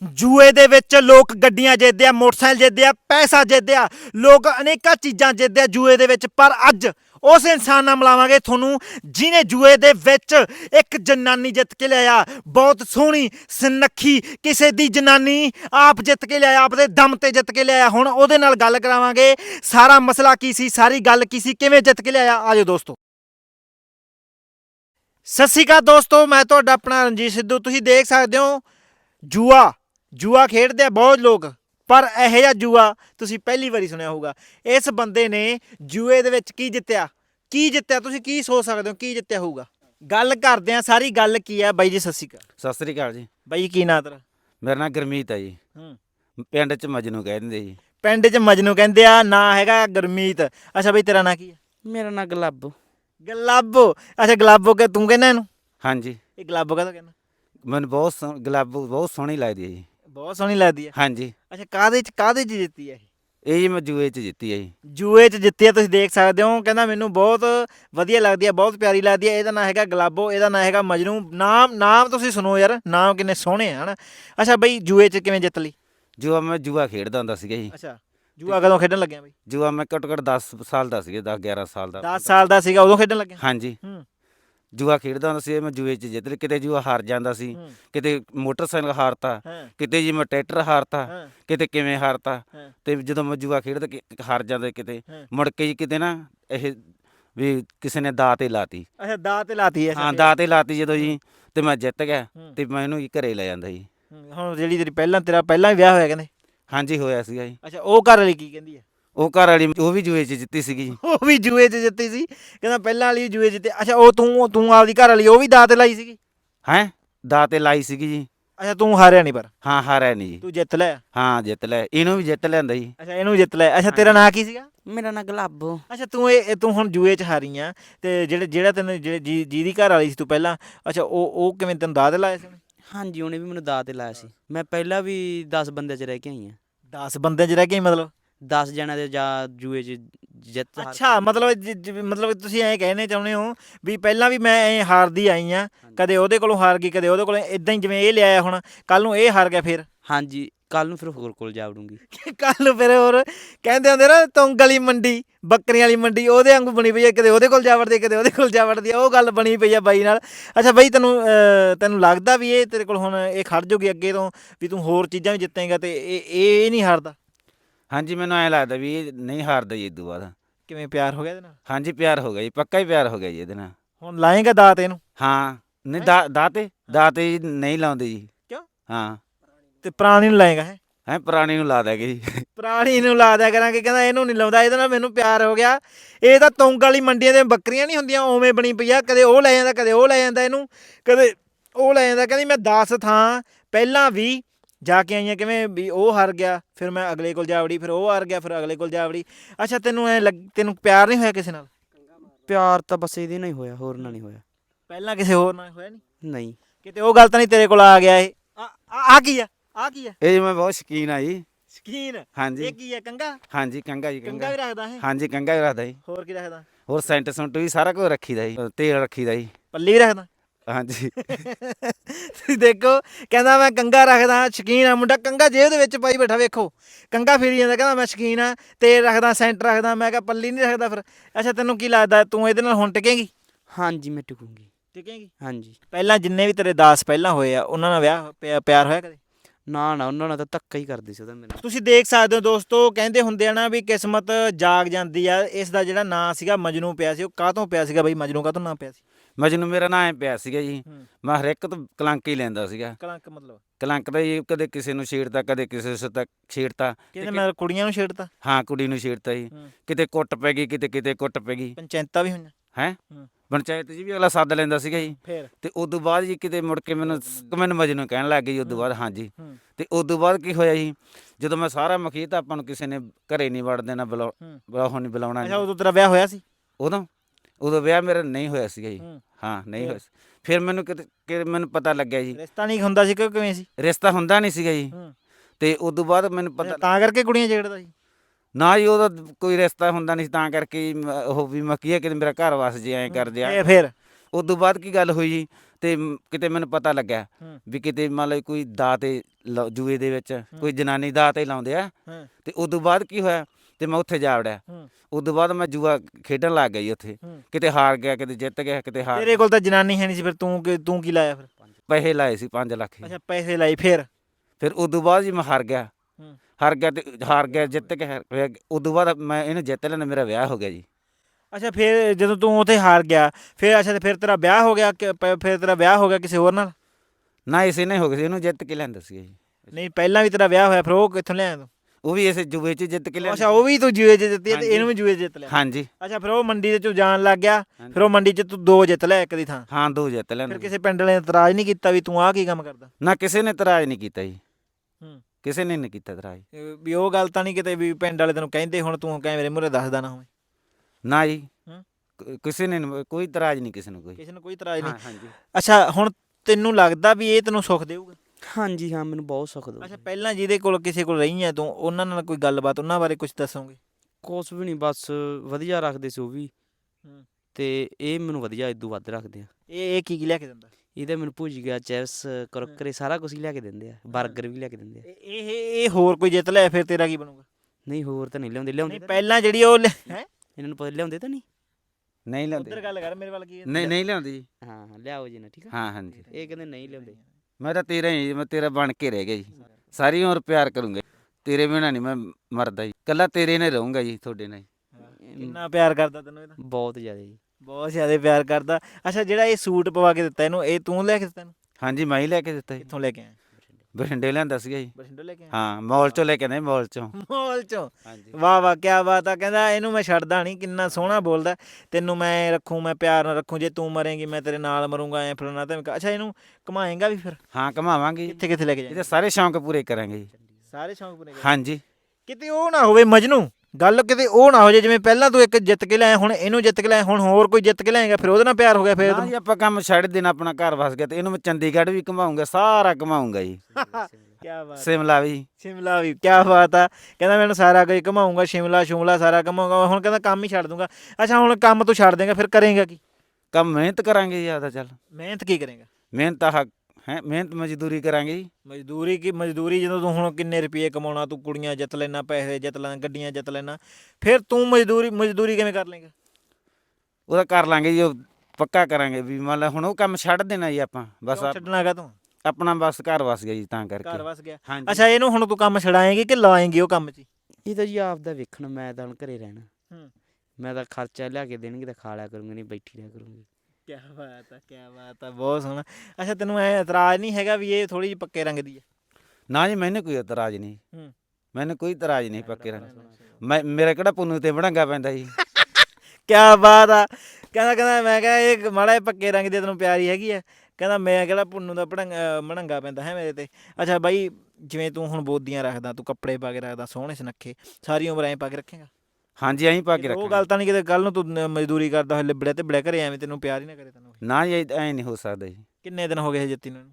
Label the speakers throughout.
Speaker 1: ਜੂਏ ਦੇ ਵਿੱਚ ਲੋਕ ਗੱਡੀਆਂ ਜਿੱਤਦੇ ਆ, ਮੋਟਰਸਾਈਕਲ ਜਿੱਤਦੇ ਆ, ਪੈਸਾ ਜਿੱਤਦੇ ਆ, ਲੋਕ ਅਨੇਕਾਂ ਚੀਜ਼ਾਂ ਜਿੱਤਦੇ ਆ ਜੂਏ ਦੇ ਵਿੱਚ। ਪਰ ਅੱਜ ਉਸ ਇਨਸਾਨ ਨਾਲ ਮਿਲਾਵਾਂਗੇ ਤੁਹਾਨੂੰ ਜਿਹਨੇ ਜੂਏ ਦੇ ਵਿੱਚ ਇੱਕ ਜਨਾਨੀ ਜਿੱਤ ਕੇ ਲਿਆਇਆ, ਬਹੁਤ ਸੋਹਣੀ ਸੁਨੱਖੀ ਕਿਸੇ ਦੀ ਜਨਾਨੀ ਆਪ ਜਿੱਤ ਕੇ ਲਿਆਇਆ, ਆਪਦੇ ਦਮ ਤੇ ਜਿੱਤ ਕੇ ਲਿਆਇਆ। ਹੁਣ ਉਹਦੇ ਨਾਲ ਗੱਲ ਕਰਾਵਾਂਗੇ, ਸਾਰਾ ਮਸਲਾ ਕੀ ਸੀ, ਸਾਰੀ ਗੱਲ ਕੀ ਸੀ, ਕਿਵੇਂ ਜਿੱਤ ਕੇ ਲਿਆਇਆ। ਆਜੋ ਦੋਸਤੋ। ਸਤਿ ਸ਼੍ਰੀ ਅਕਾਲ ਦੋਸਤੋ, ਮੈਂ ਤੁਹਾਡਾ ਆਪਣਾ ਰਣਜੀਤ ਸਿੱਧੂ। ਤੁਸੀਂ ਦੇਖ ਸਕਦੇ ਹੋ ਜੂਆ ਖੇਡਦੇ ਆ ਬਹੁਤ ਲੋਕ, ਪਰ ਇਹੋ ਜਿਹਾ ਜੂਆ ਤੁਸੀਂ ਪਹਿਲੀ ਵਾਰੀ ਸੁਣਿਆ ਹੋਊਗਾ। ਇਸ ਬੰਦੇ ਨੇ ਜੂਏ ਦੇ ਵਿੱਚ ਕੀ ਜਿੱਤਿਆ ਤੁਸੀਂ ਕੀ ਸੋਚ ਸਕਦੇ ਹੋ ਕੀ ਜਿੱਤਿਆ ਹੋਊਗਾ। ਗੱਲ ਕਰਦੇ ਆ, ਸਾਰੀ ਗੱਲ ਕੀ ਆ। ਬਾਈ ਜੀ ਸਤਿ ਸ਼੍ਰੀ ਅਕਾਲ।
Speaker 2: ਸਤਿ ਸ੍ਰੀ ਅਕਾਲ ਜੀ।
Speaker 1: ਬਾਈ ਕੀ ਨਾਂ ਤੇਰਾ?
Speaker 2: ਮੇਰਾ ਨਾਂ ਗੁਰਮੀਤ ਹੈ ਜੀ। ਪਿੰਡ 'ਚ ਮਜਨੂੰ ਕਹਿ ਦਿੰਦੇ ਜੀ।
Speaker 1: ਪਿੰਡ 'ਚ ਮਜਨੂੰ ਕਹਿੰਦੇ ਆ, ਨਾਂ ਹੈਗਾ ਗੁਰਮੀਤ। ਅੱਛਾ ਬਾਈ ਤੇਰਾ ਨਾਂ ਕੀ ਹੈ?
Speaker 3: ਮੇਰਾ ਨਾਂ ਗੁਲਾਬੋ।
Speaker 1: ਗੁਲਾਬੋ। ਅੱਛਾ ਗੁਲਾਬੋ ਕਿ ਤੂੰ ਕਹਿੰਦਾ ਇਹਨੂੰ?
Speaker 2: ਹਾਂਜੀ।
Speaker 1: ਇਹ ਗੁਲਾਬੋ ਕਾਹਤੋਂ ਕਹਿੰਦਾ?
Speaker 2: ਮੈਨੂੰ ਗੁਲਾਬੋ ਬਹੁਤ ਸੋਹਣੀ ਲੱਗਦੀ ਹੈ ਜੀ।
Speaker 1: ਬਹੁਤ ਸੋਹਣੀ ਲੱਗਦੀ ਹੈ।
Speaker 2: ਹਾਂਜੀ।
Speaker 1: ਅੱਛਾ ਕਾਹਦੇ 'ਚ ਜਿੱਤੀ ਹੈ
Speaker 2: ਇਹ ਜੀ ਮੈਂ ਜੂਏ 'ਚ ਜਿੱਤੀ ਹੈ ਜੀ।
Speaker 1: ਜੂਏ 'ਚ ਜਿੱਤੀ ਆ, ਤੁਸੀਂ ਦੇਖ ਸਕਦੇ ਹੋ। ਕਹਿੰਦਾ ਮੈਨੂੰ ਬਹੁਤ ਵਧੀਆ ਲੱਗਦੀ ਹੈ, ਬਹੁਤ ਪਿਆਰੀ ਲੱਗਦੀ ਹੈ। ਇਹਦਾ ਨਾਂ ਹੈਗਾ ਗੁਲਾਬੋ, ਇਹਦਾ ਨਾਂ ਹੈਗਾ ਮਜਨੂੰ। ਨਾਮ ਤੁਸੀਂ ਸੁਣੋ ਯਾਰ, ਨਾਮ ਕਿੰਨੇ ਸੋਹਣੇ ਆ ਹਨਾ। ਅੱਛਾ ਬਈ ਜੂਏ 'ਚ ਕਿਵੇਂ ਜਿੱਤ ਲਈ?
Speaker 2: ਮੈਂ ਜੂਆ ਖੇਡਦਾ ਹੁੰਦਾ ਸੀਗਾ ਜੀ।
Speaker 1: ਅੱਛਾ ਜੂਆ ਕਦੋਂ ਖੇਡਣ ਲੱਗਿਆ ਬਈ?
Speaker 2: ਜੂਆ ਮੈਂ ਘੱਟੋ ਘੱਟ 10 ਸਾਲ ਦਾ ਸੀਗਾ, 10-11 ਸਾਲ ਦਾ।
Speaker 1: 10 ਸਾਲ ਦਾ ਸੀਗਾ ਉਦੋਂ ਖੇਡਣ ਲੱਗਿਆ?
Speaker 2: ਹਾਂਜੀ। ਜੂਆ ਖੇਡਦਾ ਹੁੰਦਾ ਸੀ, ਮੈਂ ਜੂਏ 'ਚ ਜਿੱਤ ਲਈ। ਕਿਤੇ ਜੂਆ ਹਾਰ ਜਾਂਦਾ ਸੀ, ਕਿਤੇ ਮੋਟਰਸਾਈਕਲ ਹਾਰਤਾ, ਕਿਤੇ ਜੀ ਮੈਂ ਟਰੈਕਟਰ ਹਾਰਤਾ, ਕਿਤੇ ਕਿਵੇਂ ਹਾਰਤਾ। ਤੇ ਜਦੋਂ ਮੈਂ ਜੂਆ ਖੇਡਦਾ ਹਾਰ ਜਾਂਦਾ ਕਿਤੇ, ਮੁੜ ਕੇ ਜੀ ਕਿਤੇ ਨਾ ਇਹ ਵੀ ਕਿਸੇ ਨੇ ਦਾਅ ਤੇ ਲਾਤੀ।
Speaker 1: ਅੱਛਾ ਦਾਅ ਤੇ ਲਾਤੀ ਹੈ?
Speaker 2: ਹਾਂ ਦਾਅ ਤੇ ਲਾਤੀ ਜਦੋਂ ਜੀ, ਤੇ ਮੈਂ ਜਿੱਤ ਗਿਆ ਤੇ ਮੈਂ ਇਹਨੂੰ ਘਰੇ ਲੈ ਜਾਂਦਾ ਜੀ।
Speaker 1: ਹੁਣ ਜਿਹੜੀ ਤੇਰਾ ਪਹਿਲਾਂ ਹੀ ਵਿਆਹ ਹੋਇਆ ਕਹਿੰਦੇ?
Speaker 2: ਹਾਂਜੀ ਹੋਇਆ ਸੀਗਾ ਜੀ।
Speaker 1: ਅੱਛਾ ਉਹ ਘਰ ਵਾਲੀ ਕੀ ਕਹਿੰਦੀ ਹੈ?
Speaker 2: ਉਹ ਘਰ ਵਾਲੀ ਉਹ ਵੀ ਜੂਏ 'ਚ ਜਿੱਤੀ ਸੀਗੀ ਜੀ।
Speaker 1: ਉਹ ਵੀ ਜੂਏ 'ਚ ਜਿੱਤੀ ਸੀ? ਕਹਿੰਦਾ ਪਹਿਲਾਂ ਵਾਲੀ ਜੂਏ 'ਚ ਜਿੱਤੀ। ਅੱਛਾ ਉਹ ਤੂੰ ਆਪਦੀ ਘਰ ਵਾਲੀ ਉਹ ਵੀ ਦਾਅ ਤੇ ਲਾਈ ਸੀਗੀ?
Speaker 2: ਹੈਂ ਦਾਅ ਤੇ ਲਾਈ ਸੀਗੀ ਜੀ।
Speaker 1: ਅੱਛਾ ਤੂੰ ਹਾਰਿਆ ਨਹੀਂ ਪਰ?
Speaker 2: ਹਾਂ ਹਾਰਿਆ ਨਹੀਂ ਜੀ।
Speaker 1: ਤੂੰ ਜਿੱਤ ਲਿਆ?
Speaker 2: ਹਾਂ ਜਿੱਤ ਲਿਆ, ਇਹਨੂੰ ਵੀ ਜਿੱਤ ਲਿਆਂਦਾ ਜੀ।
Speaker 1: ਅੱਛਾ ਇਹਨੂੰ ਜਿੱਤ ਲਿਆ। ਅੱਛਾ ਤੇਰਾ ਨਾਂ ਕੀ ਸੀਗਾ?
Speaker 3: ਮੇਰਾ ਨਾਂ ਗੁਲਾਬੋ।
Speaker 1: ਅੱਛਾ ਤੂੰ ਹੁਣ ਜੂਏ 'ਚ ਹਾਰੀ ਆ, ਤੇ ਜਿਹੜਾ ਤੈਨੂੰ ਜਿਹਦੀ ਘਰ ਵਾਲੀ ਸੀ ਤੂੰ ਪਹਿਲਾਂ, ਅੱਛਾ ਉਹ ਕਿਵੇਂ ਤੈਨੂੰ ਦਾਅ ਤੇ ਲਾਇਆ ਸੀ ਉਹਨੇ?
Speaker 3: ਹਾਂਜੀ ਉਹਨੇ ਵੀ ਮੈਨੂੰ ਦਾਅ ਤੇ ਲਾਇਆ ਸੀ। ਮੈਂ ਪਹਿਲਾਂ ਵੀ 10 ਬੰਦਿਆਂ 'ਚ ਰਹਿ ਕੇ ਆਈ ਹਾਂ।
Speaker 1: 10 ਬੰਦਿਆਂ 'ਚ ਰਹਿ ਕੇ ਮਤਲਬ?
Speaker 3: 10 ਜਣਿਆਂ ਦੇ ਜਾਂ ਜੂਏ 'ਚ ਜਿੱਤ ਹਾਰ।
Speaker 1: ਅੱਛਾ ਮਤਲਬ ਤੁਸੀਂ ਐਂ ਕਹਿਣੇ ਚਾਹੁੰਦੇ ਹੋ ਵੀ ਪਹਿਲਾਂ ਵੀ ਮੈਂ ਐਂ ਹਾਰਦੀ ਆਈ ਆ, ਕਦੇ ਉਹਦੇ ਕੋਲੋਂ ਹਾਰ ਗਈ, ਕਦੇ ਉਹਦੇ ਕੋਲੋਂ, ਇਦਾਂ ਹੀ ਜਿਵੇਂ ਇਹ ਲਿਆਇਆ ਹੁਣ, ਕੱਲ ਨੂੰ ਇਹ ਹਾਰ ਗਿਆ ਫਿਰ?
Speaker 3: ਹਾਂਜੀ ਕੱਲ ਨੂੰ ਫਿਰ ਹੋਰ ਕੋਲ ਜਾ ਵੜੂੰਗੀ।
Speaker 1: ਕੱਲ ਨੂੰ ਫਿਰ ਹੋਰ ਕਹਿੰਦੇ ਹੁੰਦੇ ਨਾ ਤੁੰਗ ਵਾਲੀ ਮੰਡੀ, ਬੱਕਰੀਆਂ ਵਾਲੀ ਮੰਡੀ, ਉਹਦੇ ਵਾਂਗੂ ਬਣੀ ਪਈ ਆ, ਕਦੇ ਉਹਦੇ ਕੋਲ ਜਾ ਵੜਦੀ, ਕਦੇ ਉਹਦੇ ਕੋਲ ਜਾ ਵੜਦੀ ਆ। ਉਹ ਗੱਲ ਬਣੀ ਪਈ ਆ ਬਾਈ ਨਾਲ। ਅੱਛਾ ਬਾਈ ਤੈਨੂੰ ਲੱਗਦਾ ਵੀ ਇਹ ਤੇਰੇ ਕੋਲ ਹੁਣ ਇਹ ਖੜ ਜੂਗੀ ਅੱਗੇ ਤੋਂ, ਵੀ ਤੂੰ ਹੋਰ ਚੀਜ਼ਾਂ ਵੀ ਜਿੱਤੇਂਗਾ ਤੇ ਇਹ ਨਹੀਂ ਹਾਰਦਾ?
Speaker 2: ਹਾਂਜੀ ਮੈਨੂੰ ਐਂ ਲੱਗਦਾ ਵੀ ਇਹ ਨਹੀਂ ਹਾਰਦਾ ਜੀ ਇਦੋਂ ਬਾਅਦ।
Speaker 1: ਕਿਵੇਂ ਪਿਆਰ ਹੋ ਗਿਆ ਇਹਦੇ ਨਾਲ?
Speaker 2: ਹਾਂਜੀ ਪਿਆਰ ਹੋ ਗਿਆ ਜੀ, ਪੱਕਾ ਹੀ ਪਿਆਰ ਹੋ ਗਿਆ ਜੀ ਇਹਦੇ ਨਾਲ।
Speaker 1: ਹੁਣ ਲਾਏਂਗਾ ਦਾਅ ਤੇ ਇਹਨੂੰ?
Speaker 2: ਹਾਂ ਨਹੀਂ ਦਾਅ ਤੇ ਜੀ ਨਹੀਂ ਲਾਉਂਦੇ ਜੀ।
Speaker 1: ਕਿਉਂ?
Speaker 2: ਹਾਂ
Speaker 1: ਤੇ ਪੁਰਾਣੀ ਨੂੰ ਲਾਏਂਗਾ?
Speaker 2: ਹੈਂ ਪੁਰਾਣੀ ਨੂੰ ਲਾ ਦਿਆਂਗੇ ਜੀ।
Speaker 1: ਪੁਰਾਣੀ ਨੂੰ ਲਾ ਦਿਆ ਕਰਾਂਗੇ। ਕਹਿੰਦਾ ਇਹਨੂੰ ਨਹੀਂ ਲਾਉਂਦਾ, ਇਹਦੇ ਨਾਲ ਮੈਨੂੰ ਪਿਆਰ ਹੋ ਗਿਆ। ਇਹ ਤਾਂ ਤੁੰਗ ਵਾਲੀ ਮੰਡੀਆਂ ਦੇ ਬੱਕਰੀਆਂ ਨਹੀਂ ਹੁੰਦੀਆਂ, ਉਵੇਂ ਬਣੀ ਪਈ ਆ। ਕਦੇ ਉਹ ਲੈ ਜਾਂਦਾ, ਕਦੇ ਉਹ ਲੈ ਜਾਂਦਾ ਇਹਨੂੰ, ਕਦੇ ਉਹ ਲੈ ਜਾਂਦਾ। ਕਹਿੰਦੀ ਮੈਂ 10 ਥਾਂ ਪਹਿਲਾਂ ਵੀ ਜਾ ਕੇ ਆਈਆਂ, ਕਿਵੇਂ ਵੀ ਉਹ ਹਾਰ ਗਿਆ ਫਿਰ ਮੈਂ ਅਗਲੇ ਕੋਲ ਜਾ ਵੜੀ, ਫਿਰ ਉਹ ਹਾਰ ਗਿਆ ਫਿਰ ਅਗਲੇ ਕੋਲ ਜਾ ਵੜੀ। ਅੱਛਾ ਤੈਨੂੰ ਪਿਆਰ ਨਹੀਂ ਹੋਇਆ ਕਿਸੇ ਨਾਲ?
Speaker 3: ਪਿਆਰ ਤਾਂ ਬਸ ਇਹਦੇ ਨਾਲ ਹੀ ਹੋਇਆ, ਹੋਰ ਨਾਲ ਨਹੀਂ ਹੋਇਆ।
Speaker 1: ਪਹਿਲਾਂ ਕਿਸੇ ਹੋਰ ਨਾਲ ਹੋਇਆ ਨਹੀਂ?
Speaker 3: ਨਹੀਂ।
Speaker 1: ਕਿਤੇ ਉਹ ਗੱਲ ਤਾਂ ਨਹੀਂ ਤੇਰੇ ਕੋਲ ਆ ਗਿਆ ਇਹ? ਆ ਕੀ ਆ?
Speaker 2: ਇਹ ਜੀ ਮੈਂ ਬਹੁਤ ਸ਼ੌਕੀਨ ਆ ਜੀ।
Speaker 1: ਸ਼ੌਕੀਨ?
Speaker 2: ਹਾਂਜੀ।
Speaker 1: ਇਹ ਕੀ ਹੈ? ਕੰਘਾ?
Speaker 2: ਹਾਂਜੀ ਕੰਘਾ ਜੀ।
Speaker 1: ਕੰਘਾ ਵੀ ਰੱਖਦਾ ਹੈ?
Speaker 2: ਹਾਂਜੀ ਕੰਘਾ ਵੀ ਰੱਖਦਾ ਜੀ।
Speaker 1: ਹੋਰ ਕੀ ਰੱਖਦਾ?
Speaker 2: ਹੋਰ ਸੈਂਟ ਸੁੰਟ ਵੀ ਸਾਰਾ ਕੁਝ ਰੱਖੀਦਾ ਜੀ, ਤੇਲ ਰੱਖੀਦਾ ਜੀ।
Speaker 1: ਪੱਲੀ ਵੀ ਰੱਖਦਾ?
Speaker 2: ਹਾਂਜੀ।
Speaker 1: ਤੁਸੀਂ ਦੇਖੋ, ਕਹਿੰਦਾ ਮੈਂ ਕੰਘਾ ਰੱਖਦਾ, ਸ਼ੌਕੀਨ ਆ ਮੁੰਡਾ। ਕੰਘਾ ਜੇਬ ਦੇ ਵਿੱਚ ਪਾਈ ਬੈਠਾ, ਵੇਖੋ ਕੰਘਾ ਫੇਰੀ ਜਾਂਦਾ। ਕਹਿੰਦਾ ਮੈਂ ਸ਼ੌਕੀਨ ਆ, ਤੇਲ ਰੱਖਦਾ, ਸੈਂਟ ਰੱਖਦਾ। ਮੈਂ ਕਿਹਾ ਪੱਲੀ ਨਹੀਂ ਰੱਖਦਾ ਫਿਰ? ਅੱਛਾ ਤੈਨੂੰ ਕੀ ਲੱਗਦਾ ਤੂੰ ਇਹਦੇ ਨਾਲ ਹੁਣ ਟਿਕੇਂਗੀ?
Speaker 3: ਹਾਂਜੀ ਮੈਂ ਟਿਕੂੰਗੀ।
Speaker 1: ਟਿਕੇਂਗੀ?
Speaker 3: ਹਾਂਜੀ।
Speaker 1: ਪਹਿਲਾਂ ਜਿੰਨੇ ਵੀ ਤੇਰੇ 10 ਪਹਿਲਾਂ ਹੋਏ ਆ, ਉਹਨਾਂ ਨਾਲ ਪਿਆਰ ਹੋਇਆ ਕਦੇ?
Speaker 3: ਨਾ ਉਹਨਾਂ ਨਾਲ ਤਾਂ ਧੱਕਾ ਹੀ ਕਰਦੀ ਸੀ ਉਹਦਾ ਮੈਨੂੰ।
Speaker 1: ਤੁਸੀਂ ਦੇਖ ਸਕਦੇ ਹੋ ਦੋਸਤੋ, ਕਹਿੰਦੇ ਹੁੰਦੇ ਆ ਨਾ ਵੀ ਕਿਸਮਤ ਜਾਗ ਜਾਂਦੀ ਆ। ਇਸ ਦਾ ਜਿਹੜਾ ਨਾਂ ਸੀਗਾ ਮਜਨੂੰ ਪਿਆ ਸੀ, ਉਹ ਕਾਹਤੋਂ ਪਿਆ ਸੀਗਾ ਬਈ? ਮਜਨੂੰ ਕਾਹਤੋਂ ਨਾਂ ਪਿਆ ਸੀ?
Speaker 2: ਮਜਨੂੰ ਮੇਰਾ ਨਾਂ ਐਂ ਪਿਆ ਸੀਗਾ ਜੀ, ਮੈਂ ਹਰ ਇੱਕ ਤੋਂ ਕਲੰਕ ਹੀ ਲੈਂਦਾ ਸੀਗਾ।
Speaker 1: ਕਲੰਕ ਮਤਲਬ?
Speaker 2: ਕਲੰਕ ਦਾ ਜੀ, ਕਦੇ ਕਿਸੇ ਨੂੰ ਛੇੜਤਾ, ਕਦੇ ਕਿਸੇ ਤੱਕ ਛੇੜਤਾ।
Speaker 1: ਕਿਹਦੇ ਨਾਲ? ਕੁੜੀਆਂ ਨੂੰ ਛੇੜਤਾ?
Speaker 2: ਹਾਂ ਕੁੜੀ ਨੂੰ ਛੇੜਤਾ ਜੀ। ਕਿਤੇ ਕੁੱਟ ਪੈ ਗਈ, ਕਿਤੇ ਕੁੱਟ ਪੈ ਗਈ।
Speaker 1: ਪੰਚਾਇਤਾਂ ਵੀ ਹੋਈਆਂ?
Speaker 2: ਹੈਂ ਪੰਚਾਇਤ ਜੀ ਵੀ ਅਗਲਾ ਸੱਦ ਲੈਂਦਾ ਸੀਗਾ ਜੀ।
Speaker 1: ਫਿਰ
Speaker 2: ਤੇ ਉਦੋਂ ਬਾਅਦ ਜੀ ਕਿਤੇ ਮੁੜ ਕੇ ਮੈਨੂੰ ਮਜਨੂੰ ਕਹਿਣ ਲੱਗ ਗਈ ਜੀ ਉਦੋਂ ਬਾਅਦ। ਹਾਂਜੀ। ਤੇ ਉਦੋਂ ਬਾਅਦ ਕੀ ਹੋਇਆ ਜੀ, ਜਦੋਂ ਮੈਂ ਸਾਰਾ ਮਖੀਤ ਆਪਾਂ ਨੂੰ ਕਿਸੇ ਨੇ ਘਰੇ ਨਹੀਂ ਵੜ ਦੇਣਾ, ਨਹੀਂ ਬੁਲਾਉਣਾ।
Speaker 1: ਅੱਛਾ ਉਦੋਂ ਤੇਰਾ ਵਿਆਹ ਹੋਇਆ ਸੀ?
Speaker 2: ਉਦੋਂ ਵਿਆਹ ਮੇਰਾ ਨਹੀਂ ਹੋਇਆ ਸੀਗਾ ਜੀ। ਹਾਂ ਨਹੀਂ ਹੋਇਆ ਸੀ। ਫਿਰ ਮੈਨੂੰ ਪਤਾ ਲੱਗਿਆ ਜੀ।
Speaker 1: ਰਿਸ਼ਤਾ ਨਹੀਂ ਹੁੰਦਾ ਸੀ ਕਿ ਕਿਵੇਂ ਸੀ?
Speaker 2: ਰਿਸ਼ਤਾ ਹੁੰਦਾ ਨਹੀਂ ਸੀਗਾ ਜੀ। ਤੇ ਉਦੋਂ ਬਾਅਦ ਮੈਨੂੰ ਪਤਾ
Speaker 1: ਤਾਂ ਕਰਕੇ ਕੁੜੀਆਂ ਛੇੜਦਾ ਸੀ?
Speaker 2: ਨਾ ਜੀ ਉਹਦਾ ਕੋਈ ਰਿਸ਼ਤਾ ਹੁੰਦਾ ਨਹੀਂ ਸੀ, ਤਾਂ ਕਰਕੇ ਉਹ ਵੀ ਮੈਂ ਕੀ ਹੈ ਕਿ ਮੇਰਾ ਘਰ ਵਸ ਜੇ ਐਂ ਕਰ ਜਿਆ।
Speaker 1: ਫਿਰ
Speaker 2: ਉਦੋਂ ਬਾਅਦ ਕੀ ਗੱਲ ਹੋਈ ਜੀ, ਤੇ ਕਿਤੇ ਮੈਨੂੰ ਪਤਾ ਲੱਗਿਆ
Speaker 1: ਹੂੰ।
Speaker 2: ਵੀ ਕਿਤੇ ਮੰਨ ਲਓ ਕੋਈ ਦਾਅ ਤੇ ਜੂਏ ਦੇ ਵਿੱਚ ਕੋਈ ਜਨਾਨੀ ਦਾਅ ਤੇ ਲਾਉਂਦੇ ਆ।
Speaker 1: ਹਾਂ।
Speaker 2: ਤੇ ਉਦੋਂ ਬਾਅਦ ਕੀ ਹੋਇਆ ਤੇ ਮੈਂ ਉੱਥੇ ਜਾ ਵੜਿਆ।
Speaker 1: ਹੂੰ।
Speaker 2: ਉਦੋਂ ਬਾਅਦ ਮੈਂ ਜੂਆ ਖੇਡਣ ਲੱਗ ਗਿਆ ਜੀ ਉੱਥੇ।
Speaker 1: ਹੂੰ।
Speaker 2: ਕਿਤੇ ਹਾਰ ਗਿਆ, ਕਿਤੇ ਜਿੱਤ ਗਿਆ, ਕਿਤੇ ਹਾਰ
Speaker 1: ਤੇਰੇ
Speaker 2: ਗਿਆ।
Speaker 1: ਕੋਲ ਤਾਂ ਜਨਾਨੀ ਹੈ ਨਹੀਂ ਸੀ, ਫਿਰ ਤੂੰ ਕੀ ਲਾਇਆ ਫਿਰ?
Speaker 2: ਪੈਸੇ ਲਾਏ ਸੀ 5 ਲੱਖ ਜੀ।
Speaker 1: ਅੱਛਾ, ਪੈਸੇ ਲਾਈ ਫਿਰ
Speaker 2: ਉਦੋਂ ਬਾਅਦ ਜੀ ਮੈਂ ਹਾਰ ਗਿਆ।
Speaker 1: ਹੂੰ।
Speaker 2: ਹਾਰ ਗਿਆ ਜਿੱਤ ਕੇ ਉਦੋਂ ਬਾਅਦ ਮੈਂ ਇਹਨੂੰ ਜਿੱਤ ਲੈਣਾ, ਮੇਰਾ ਵਿਆਹ ਹੋ ਗਿਆ ਜੀ।
Speaker 1: ਅੱਛਾ, ਫਿਰ ਜਦੋਂ ਤੂੰ ਉੱਥੇ ਹਾਰ ਗਿਆ ਫਿਰ ਅੱਛਾ ਤੇ ਫਿਰ ਤੇਰਾ ਵਿਆਹ ਹੋ ਗਿਆ ਫਿਰ ਤੇਰਾ ਵਿਆਹ ਹੋ ਗਿਆ ਕਿਸੇ ਹੋਰ ਨਾਲ?
Speaker 2: ਨਾ ਇਸੇ ਨੇ ਹੋ ਗਿਆ ਸੀ, ਇਹਨੂੰ ਜਿੱਤ ਕੇ ਲਿਆਂਦਾ ਸੀ ਜੀ।
Speaker 1: ਨਹੀਂ, ਪਹਿਲਾਂ ਵੀ ਤੇਰਾ ਵਿਆਹ ਹੋਇਆ, ਫਿਰ ਉਹ ਕਿੱਥੋਂ ਲਿਆਇਆ ਤੂੰ?
Speaker 2: ਉਹ ਵੀ ਇਸੇ ਜੂਏ 'ਚ ਜਿੱਤ ਕੇ ਲਿਆਂਦਾ।
Speaker 1: ਅੱਛਾ, ਉਹ ਵੀ ਤੂੰ ਜੂਏ 'ਚ ਜਿੱਤੀ ਹੈ ਤੇ
Speaker 2: ਹਾਂਜੀ।
Speaker 1: ਇਹਨੂੰ ਵੀ ਜੂਏ 'ਚ ਜਿੱਤ ਲਿਆ।
Speaker 2: ਹਾਂਜੀ
Speaker 1: ਅੱਛਾ, ਫਿਰ ਉਹ ਮੰਡੀ 'ਚ ਤੂੰ ਜਾਣ ਲੱਗ ਗਿਆ,
Speaker 2: ਹਾਂਜੀ।
Speaker 1: ਫਿਰ ਉਹ ਮੰਡੀ 'ਚ ਤੂੰ 2 ਜਿੱਤ ਲਿਆ ਇੱਕ ਦੀ ਥਾਂ।
Speaker 2: ਹਾਂ 2 ਜਿੱਤ
Speaker 1: ਫਿਰ
Speaker 2: ਲੈਂਦਾ।
Speaker 1: ਕਿਸੇ ਪਿੰਡ ਵਾਲੇ ਨੇ ਇਤਰਾਜ਼ ਨਹੀਂ ਕੀਤਾ ਵੀ ਤੂੰ ਆਹ ਕੀ ਕੰਮ ਕਰਦਾ?
Speaker 2: ਨਾ ਕਿਸੇ ਨੇ ਇਤਰਾਜ਼ ਨਹੀਂ ਕੀਤਾ ਜੀ।
Speaker 1: ਹੂੰ।
Speaker 2: ਕਿਸੇ ਨੇ ਨਹੀਂ ਕੀਤਾ ਇਤਰਾਜ਼।
Speaker 1: ਵੀ ਉਹ ਗੱਲ ਤਾਂ ਨਹੀਂ ਕਿਤੇ ਵੀ ਪਿੰਡ ਵਾਲੇ ਤੈਨੂੰ ਕਹਿੰਦੇ ਹੁਣ ਤੂੰ ਕਹਿ ਮੇਰੇ ਮੂਹਰੇ ਦੱਸਦਾ ਨਾ ਹੋਵੇ?
Speaker 2: ਨਾ ਜੀ
Speaker 1: ਹੂੰ।
Speaker 2: ਕਿਸੇ ਨੇ ਕੋਈ ਇਤਰਾਜ਼ ਨਹੀਂ ਕਿਸੇ ਨੂੰ ਕੋਈ।
Speaker 1: ਕਿਸੇ ਨੂੰ ਕੋਈ ਇਤਰਾਜ਼ ਨਹੀਂ?
Speaker 2: ਹਾਂ ਹਾਂਜੀ।
Speaker 1: ਅੱਛਾ, ਹੁਣ ਤੈਨੂੰ ਲੱਗਦਾ ਵੀ ਇਹ ਤੈਨੂੰ ਸੁੱਖ ਦੇਊਗਾ?
Speaker 3: ਹਾਂਜੀ ਹਾਂ, ਮੈਨੂੰ ਬਹੁਤ ਸੁੱਖ ਦੋ।
Speaker 1: ਅੱਛਾ, ਪਹਿਲਾਂ ਜਿਹਦੇ ਕੋਲ ਕਿਸੇ ਕੋਲ ਰਹੀ ਹੈ ਤੂੰ, ਉਹਨਾਂ ਨਾਲ ਕੋਈ ਗੱਲਬਾਤ, ਉਹਨਾਂ ਬਾਰੇ ਕੁਝ ਦੱਸੋਗੇ?
Speaker 3: ਕੁਛ ਵੀ ਨਹੀਂ, ਬਸ ਵਧੀਆ ਰੱਖਦੇ ਸੀ ਉਹ ਵੀ।
Speaker 1: ਹੂੰ।
Speaker 3: ਤੇ ਇਹ ਮੈਨੂੰ ਵਧੀਆ ਇਦੋਂ ਵੱਧ ਰੱਖਦੇ ਆ।
Speaker 1: ਇਹ ਕੀ ਲਿਆ ਕੇ ਦਿੰਦਾ?
Speaker 3: ਇਹ ਤਾਂ ਮੈਨੂੰ ਭੁਜੀਆ, ਚਿਪਸ, ਕੁਰਕਰੇ ਸਾਰਾ ਕੁਝ ਹੀ ਲਿਆ ਕੇ ਦਿੰਦੇ ਆ, ਬਰਗਰ ਵੀ ਲਿਆ ਕੇ ਦਿੰਦੇ ਆ।
Speaker 1: ਇਹ ਹੋਰ ਕੋਈ ਜਿੱਤ ਲਿਆ ਫਿਰ ਤੇਰਾ ਕੀ ਬਣੂਗਾ?
Speaker 3: ਨਹੀਂ ਹੋਰ ਤਾਂ ਨਹੀਂ ਲਿਆਉਂਦੇ
Speaker 1: ਨਹੀਂ,
Speaker 3: ਤਾਂ
Speaker 1: ਪਹਿਲਾਂ ਜਿਹੜੀ ਉਹ ਹੈ
Speaker 3: ਇਹਨਾਂ ਨੂੰ ਪਤਾ ਲਿਆਉਂਦੇ ਤਾਂ ਨਹੀਂ।
Speaker 2: ਨਹੀਂ
Speaker 1: ਉਧਰ
Speaker 2: ਲਿਆਉਂਦੇ।
Speaker 1: ਗੱਲ ਕਰ, ਮੇਰੇ ਵੱਲ ਕੀ ਹੈ?
Speaker 2: ਨਹੀਂ ਲਿਆਉਂਦੇ ਜੀ।
Speaker 3: ਹਾਂ ਹਾਂ, ਲਿਆਓ ਜੀ ਨਾ, ਠੀਕ ਆ।
Speaker 2: ਹਾਂ ਹਾਂਜੀ।
Speaker 3: ਇਹ ਕਹਿੰਦੇ ਨਹੀਂ ਲਿਆਉਂਦੇ।
Speaker 2: ਮੈਂ ਤਾਂ ਤੇਰਾ ਹੀ, ਮੈਂ ਤੇਰਾ ਬਣ ਕੇ ਰਹਿ ਗਿਆ ਜੀ। ਸਾਰੀ ਉਮਰ ਪਿਆਰ ਕਰੂੰਗਾ। ਤੇਰੇ ਬਿਨਾਂ ਨਹੀਂ ਮੈਂ ਮਰਦਾ ਜੀ। ਕੱਲਾ ਤੇਰੇ ਨਾਲ ਰਹੂੰਗਾ ਜੀ, ਤੁਹਾਡੇ ਨਾਲ ਹੀ।
Speaker 1: ਕਿੰਨਾ ਪਿਆਰ ਕਰਦਾ ਤੈਨੂੰ ਇਹ ਤਾਂ?
Speaker 3: ਬਹੁਤ ਜ਼ਿਆਦਾ ਜੀ।
Speaker 1: ਬਹੁਤ ਜ਼ਿਆਦਾ ਪਿਆਰ ਕਰਦਾ। ਅੱਛਾ, ਜਿਹੜਾ ਇਹ ਸੂਟ ਪਵਾ ਕੇ ਦਿੱਤਾ ਇਹਨੂੰ, ਇਹ ਤੂੰ ਲੈ ਕੇ ਦਿੱਤਾ ਇਹਨੂੰ?
Speaker 2: ਹਾਂਜੀ ਮੈਂ ਹੀ ਲੈ ਕੇ ਦਿੱਤਾ ਜੀ।
Speaker 1: ਕਿੱਥੋਂ ਲੈ ਕੇ ਆਇਆ?
Speaker 2: ਬਠਿੰਡੇ ਲਿਆਂਦਾ ਸੀਗਾ ਜੀ।
Speaker 1: ਬਠਿੰਡੇ ਲੈ ਕੇ ਆਇਆ?
Speaker 2: ਹਾਂ ਮਾਲ ਚੋਂ ਲੈ ਕੇ ਆਂਦੇ, ਮਾਲ ਚੋਂ।
Speaker 1: ਮਾਲ ਚੋਂ?
Speaker 2: ਹਾਂਜੀ।
Speaker 1: ਵਾਹ ਵਾਹ, ਕੀ ਬਾਤ ਆ। ਕਹਿੰਦਾ ਇਹਨੂੰ ਮੈਂ ਛੱਡਦਾ ਨਹੀਂ। ਕਿੰਨਾ ਸੋਹਣਾ ਬੋਲਦਾ। ਤੈਨੂੰ ਮੈਂ ਰੱਖੂੰ, ਮੈਂ ਪਿਆਰ ਨਾਲ ਰੱਖੂੰ, ਜੇ ਤੂੰ ਮਰੇਂਗੀ ਮੈਂ ਤੇਰੇ ਨਾਲ ਮਰੂੰਗਾ, ਐ ਫਲਾਣਾ ਤੇ। ਅੱਛਾ, ਇਹਨੂੰ ਘੁਮਾਏਂਗਾ ਵੀ ਫਿਰ?
Speaker 2: ਹਾਂ ਘਮਾਵਾਂਗੇ ਜੀ।
Speaker 1: ਕਿੱਥੇ ਕਿੱਥੇ ਲੈ ਕੇ
Speaker 2: ਇਹਦੇ
Speaker 1: ਜਾਏਂਗਾ?
Speaker 2: ਸਾਰੇ ਸ਼ੌਂਕ ਪੂਰੇ ਕਰਾਂਗੇ ਜੀ।
Speaker 1: ਸਾਰੇ ਸ਼ੌਂਕ ਪੂਰੇ ਕਰ?
Speaker 2: ਹਾਂਜੀ।
Speaker 1: ਕਿਤੇ ਉਹ ਨਾ ਹੋਵੇ ਮਜਨੂ, ਗੱਲ ਕਿਤੇ ਉਹ ਨਾ ਹੋ ਜਾਏ ਜਿਵੇਂ ਪਹਿਲਾਂ ਤੂੰ ਇੱਕ ਜਿੱਤ ਕੇ ਲਿਆਇਆ, ਹੁਣ ਇਹਨੂੰ ਜਿੱਤ ਕੇ ਲਿਆਇਆ, ਹੁਣ ਹੋਰ ਕੋਈ ਜਿੱਤ ਕੇ ਲਿਆਏਗਾ, ਫਿਰ ਉਹਦੇ ਨਾਲ ਪਿਆਰ ਹੋ ਗਿਆ ਫਿਰ
Speaker 2: ਨਾ ਜੀ ਆਪਾਂ ਕੰਮ ਛੱਡ ਦੇਣਾ, ਆਪਣਾ ਘਰ ਵਸ ਗਿਆ ਤੇ ਇਹਨੂੰ ਮੈਂ ਚੰਡੀਗੜ੍ਹ ਵੀ ਘਮਾਉਂਗਾ, ਸਾਰਾ ਘਮਾਉਂਗਾ ਜੀ।
Speaker 1: ਕੀ ਬਾਤ।
Speaker 2: ਸਿਮਲਾ ਵੀ।
Speaker 1: ਸ਼ਿਮਲਾ ਵੀ? ਕੀ ਬਾਤ ਆ। ਕਹਿੰਦਾ ਮੈਨੂੰ ਸਾਰਾ ਕੁਝ ਘਮਾਉਂਗਾ, ਸ਼ਿਮਲਾ ਸਾਰਾ ਘਮਾਉਂਗਾ। ਹੁਣ ਕਹਿੰਦਾ ਕੰਮ ਹੀ ਛੱਡ ਦੂੰਗਾ। ਅੱਛਾ, ਹੁਣ ਕੰਮ ਤੂੰ ਛੱਡ ਦੇਂਗਾ, ਫਿਰ ਕਰੇਂਗਾ ਕੀ?
Speaker 2: ਕੰਮ ਮਿਹਨਤ ਕਰਾਂਗੇ ਜੀ ਆਦਾ। ਚੱਲ
Speaker 1: ਮਿਹਨਤ ਕੀ ਕਰੇਂਗਾ?
Speaker 2: ਮਿਹਨਤ ਹੈ, ਮਿਹਨਤ ਮਜ਼ਦੂਰੀ ਕਰਾਂਗੇ ਜੀ।
Speaker 1: ਮਜ਼ਦੂਰੀ ਕੀ ਮਜ਼ਦੂਰੀ? ਜਦੋਂ ਤੂੰ ਹੁਣ ਕਿੰਨੇ ਰੁਪਏ ਕਮਾਉਣਾ, ਤੂੰ ਕੁੜੀਆਂ ਜਿੱਤ ਲੈਣਾ, ਪੈਸੇ ਜਿੱਤ ਲੈਣਾ, ਗੱਡੀਆਂ ਜਿੱਤ ਲੈਣਾ, ਫਿਰ ਤੂੰ ਮਜ਼ਦੂਰੀ ਕਿਵੇਂ ਕਰ ਲੇਂਗਾ?
Speaker 2: ਉਹਦਾ ਕਰ ਲਾਂਗੇ ਜੀ, ਉਹ ਪੱਕਾ ਕਰਾਂਗੇ ਵੀ ਮੰਨ ਲਾ ਹੁਣ ਉਹ ਕੰਮ ਛੱਡ ਦੇਣਾ ਜੀ ਆਪਾਂ ਬਸ।
Speaker 1: ਕਿਉਂ ਛੱਡਣਾਗਾ ਤੂੰ?
Speaker 2: ਆਪਣਾ ਬਸ ਘਰ ਵਸ ਗਿਆ ਜੀ ਤਾਂ
Speaker 1: ਘਰ
Speaker 2: ਕਰਕੇ।
Speaker 1: ਵਸ ਗਿਆ?
Speaker 2: ਹਾਂਜੀ।
Speaker 1: ਅੱਛਾ, ਇਹਨੂੰ ਹੁਣ ਤੂੰ ਕੰਮ ਛਡਾਏਂਗੀ ਕਿ ਲਾਏਂਗੀ ਉਹ ਕੰਮ 'ਚ ਹੀ?
Speaker 3: ਇਹ ਤਾਂ ਜੀ ਆਪਦਾ ਵੇਖਣ, ਮੈਂ ਤਾਂ ਹੁਣ ਘਰੇ ਰਹਿਣਾ।
Speaker 1: ਹੂੰ।
Speaker 3: ਮੈਂ ਤਾਂ ਖਰਚਾ ਲਿਆ ਕੇ ਦੇਣਗੇ ਤਾਂ ਖਾ ਲਿਆ ਕਰੂੰਗੀ, ਨਹੀਂ ਬੈਠੀ ਰਿਹਾ ਕਰੂੰਗੀ।
Speaker 1: ਕੀ ਬਾਤ ਆ, ਕੀ ਬਾਤ ਆ, ਬਹੁਤ ਸੋਹਣਾ। ਅੱਛਾ, ਤੈਨੂੰ ਐ ਇਤਰਾਜ਼ ਨਹੀਂ ਹੈਗਾ ਵੀ ਇਹ ਥੋੜੀ ਜਿਹੀ ਪੱਕੇ ਰੰਗ ਦੀ ਹੈ?
Speaker 2: ਨਾ ਜੀ ਮੈਨੂੰ ਕੋਈ ਇਤਰਾਜ਼ ਨਹੀਂ।
Speaker 1: ਹੂੰ।
Speaker 2: ਮੈਨੂੰ ਕੋਈ ਇਤਰਾਜ਼ ਨਹੀਂ ਪੱਕੇ ਰੰਗ। ਮੇਰਾ ਕਿਹੜਾ ਪੁੰਨੂ ਤੇ ਵੜਾਂਗਾ ਪੈਂਦਾ ਜੀ।
Speaker 1: ਕੀ ਬਾਤ ਆ। ਕਹਿੰਦਾ ਮੈਂ ਕਿਹਾ ਇਹ ਮਾੜਾ ਜਿਹਾ ਪੱਕੇ ਰੰਗ ਦੀ ਤੈਨੂੰ ਪਿਆਰੀ ਹੈਗੀ ਆ। ਕਹਿੰਦਾ ਮੈਂ ਕਿਹੜਾ ਪੁੰਨੂ ਦਾ ਮੜੰਗਾ ਪੈਂਦਾ ਹੈ ਮੇਰੇ ਤੇ। ਅੱਛਾ ਬਾਈ, ਜਿਵੇਂ ਤੂੰ ਹੁਣ ਬੋਦੀਆਂ ਰੱਖਦਾ, ਤੂੰ ਕੱਪੜੇ ਪਾ ਕੇ ਰੱਖਦਾ ਸੋਹਣੇ ਸੁਨੱਖੇ, ਸਾਰੀ ਉਮਰ ਐਂ ਪਾ ਕੇ ਰੱਖੇਂਗਾ?
Speaker 2: ਹਾਂਜੀ ਐਂ ਪਾ ਕੇ
Speaker 1: ਉਹ
Speaker 2: ਰੱਖਾਂਗੇ।
Speaker 1: ਗੱਲ ਤਾਂ ਨਹੀਂ ਕਿਤੇ ਕੱਲ ਨੂੰ ਤੂੰ ਮਜ਼ਦੂਰੀ ਕਰਦਾ ਹੋਇਆ ਲਿਬੜਿਆ ਤੇ ਬੜਿਆ ਘਰੇ ਐਵੇਂ ਤੈਨੂੰ ਪਿਆਰ ਹੀ ਨਾ ਕਰੇ ਤੈਨੂੰ?
Speaker 2: ਨਾ ਜੀ ਐਂ ਨਹੀਂ ਹੋ ਸਕਦਾ ਜੀ।
Speaker 1: ਕਿੰਨੇ ਦਿਨ ਹੋ ਗਏ ਜੱਤੀ ਨੂੰ?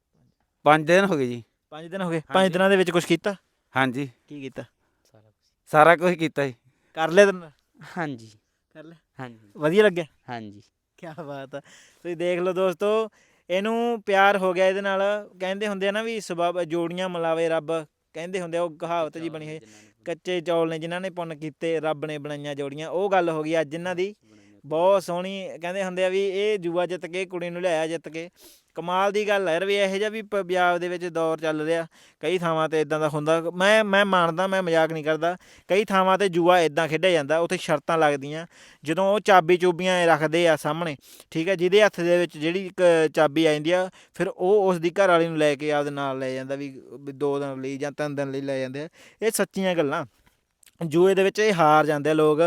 Speaker 2: 5 ਦਿਨ ਹੋ ਗਏ ਜੀ।
Speaker 1: 5 ਦਿਨ ਹੋ ਗਏ? 5 ਦਿਨਾਂ ਦੇ ਵਿੱਚ ਕੁਝ ਕੀਤਾ?
Speaker 2: ਹਾਂਜੀ
Speaker 1: ਕੀ ਕੀਤਾ?
Speaker 2: ਸਾਰਾ ਕੁਝ ਕੀਤਾ ਜੀ।
Speaker 1: ਕਰ ਲਿਆ ਤੈਨੂੰ?
Speaker 3: ਹਾਂਜੀ
Speaker 1: ਕਰ ਲਿਆ?
Speaker 3: ਹਾਂਜੀ
Speaker 1: ਵਧੀਆ ਲੱਗਿਆ?
Speaker 3: ਹਾਂਜੀ।
Speaker 1: ਕੀ ਬਾਤ ਆ। ਤੁਸੀਂ ਦੇਖ ਲਓ ਦੋਸਤੋ, ਇਹਨੂੰ ਪਿਆਰ ਹੋ ਗਿਆ ਇਹਦੇ ਨਾਲ। ਕਹਿੰਦੇ ਹੁੰਦੇ ਆ ਨਾ ਵੀ ਸਬੱਬ ਜੋੜੀਆਂ ਮਿਲਾਵੇ ਰੱਬ, ਕਹਿੰਦੇ ਹੁੰਦੇ ਆ, ਉਹ ਕਹਾਵਤ ਜੀ ਬਣੀ ਹੋਈ। ਕੱਚੇ ਚੌਲ ਨੇ ਜਿਨ੍ਹਾਂ ਨੇ ਪੁੰਨ ਕੀਤੇ, ਰੱਬ ਨੇ ਬਣਾਈਆਂ ਜੋੜੀਆਂ। ਉਹ ਗੱਲ ਹੋ ਗਈ ਅੱਜ ਇਹਨਾਂ ਦੀ। ਬਹੁਤ ਸੋਹਣੀ। ਕਹਿੰਦੇ ਹੁੰਦੇ ਆ ਵੀ ਇਹ ਜੂਆ ਜਿੱਤ ਕੇ ਕੁੜੀ ਨੂੰ ਲਿਆਇਆ ਜਿੱਤ ਕੇ। ਕਮਾਲ ਦੀ ਗੱਲ ਹੈ ਯਾਰ ਵੀ ਇਹੋ ਜਿਹਾ ਵੀ ਪੰਜਾਬ ਦੇ ਵਿੱਚ ਦੌਰ ਚੱਲ ਰਿਹਾ। ਕਈ ਥਾਵਾਂ 'ਤੇ ਇੱਦਾਂ ਦਾ ਹੁੰਦਾ। ਮੈਂ ਮੰਨਦਾ, ਮੈਂ ਮਜ਼ਾਕ ਨਹੀਂ ਕਰਦਾ। ਕਈ ਥਾਵਾਂ 'ਤੇ ਜੂਆ ਇੱਦਾਂ ਖੇਡਿਆ ਜਾਂਦਾ, ਉੱਥੇ ਸ਼ਰਤਾਂ ਲੱਗਦੀਆਂ। ਜਦੋਂ ਉਹ ਚਾਬੀ ਚੂਬੀਆਂ ਰੱਖਦੇ ਆ ਸਾਹਮਣੇ, ਠੀਕ ਹੈ, ਜਿਹਦੇ ਹੱਥ ਦੇ ਵਿੱਚ ਜਿਹੜੀ ਇੱਕ ਚਾਬੀ ਆ ਜਾਂਦੀ ਆ, ਫਿਰ ਉਹ ਉਸ ਦੀ ਘਰ ਵਾਲੀ ਨੂੰ ਲੈ ਕੇ ਆਪਦੇ ਨਾਲ ਲੈ ਜਾਂਦਾ ਵੀ 2 ਦਿਨ ਲਈ ਜਾਂ 3 ਦਿਨ ਲਈ ਲੈ ਜਾਂਦੇ ਆ। ਇਹ ਸੱਚੀਆਂ ਗੱਲਾਂ। ਜੂਏ ਦੇ ਵਿੱਚ ਇਹ ਹਾਰ ਜਾਂਦੇ ਆ ਲੋਕ।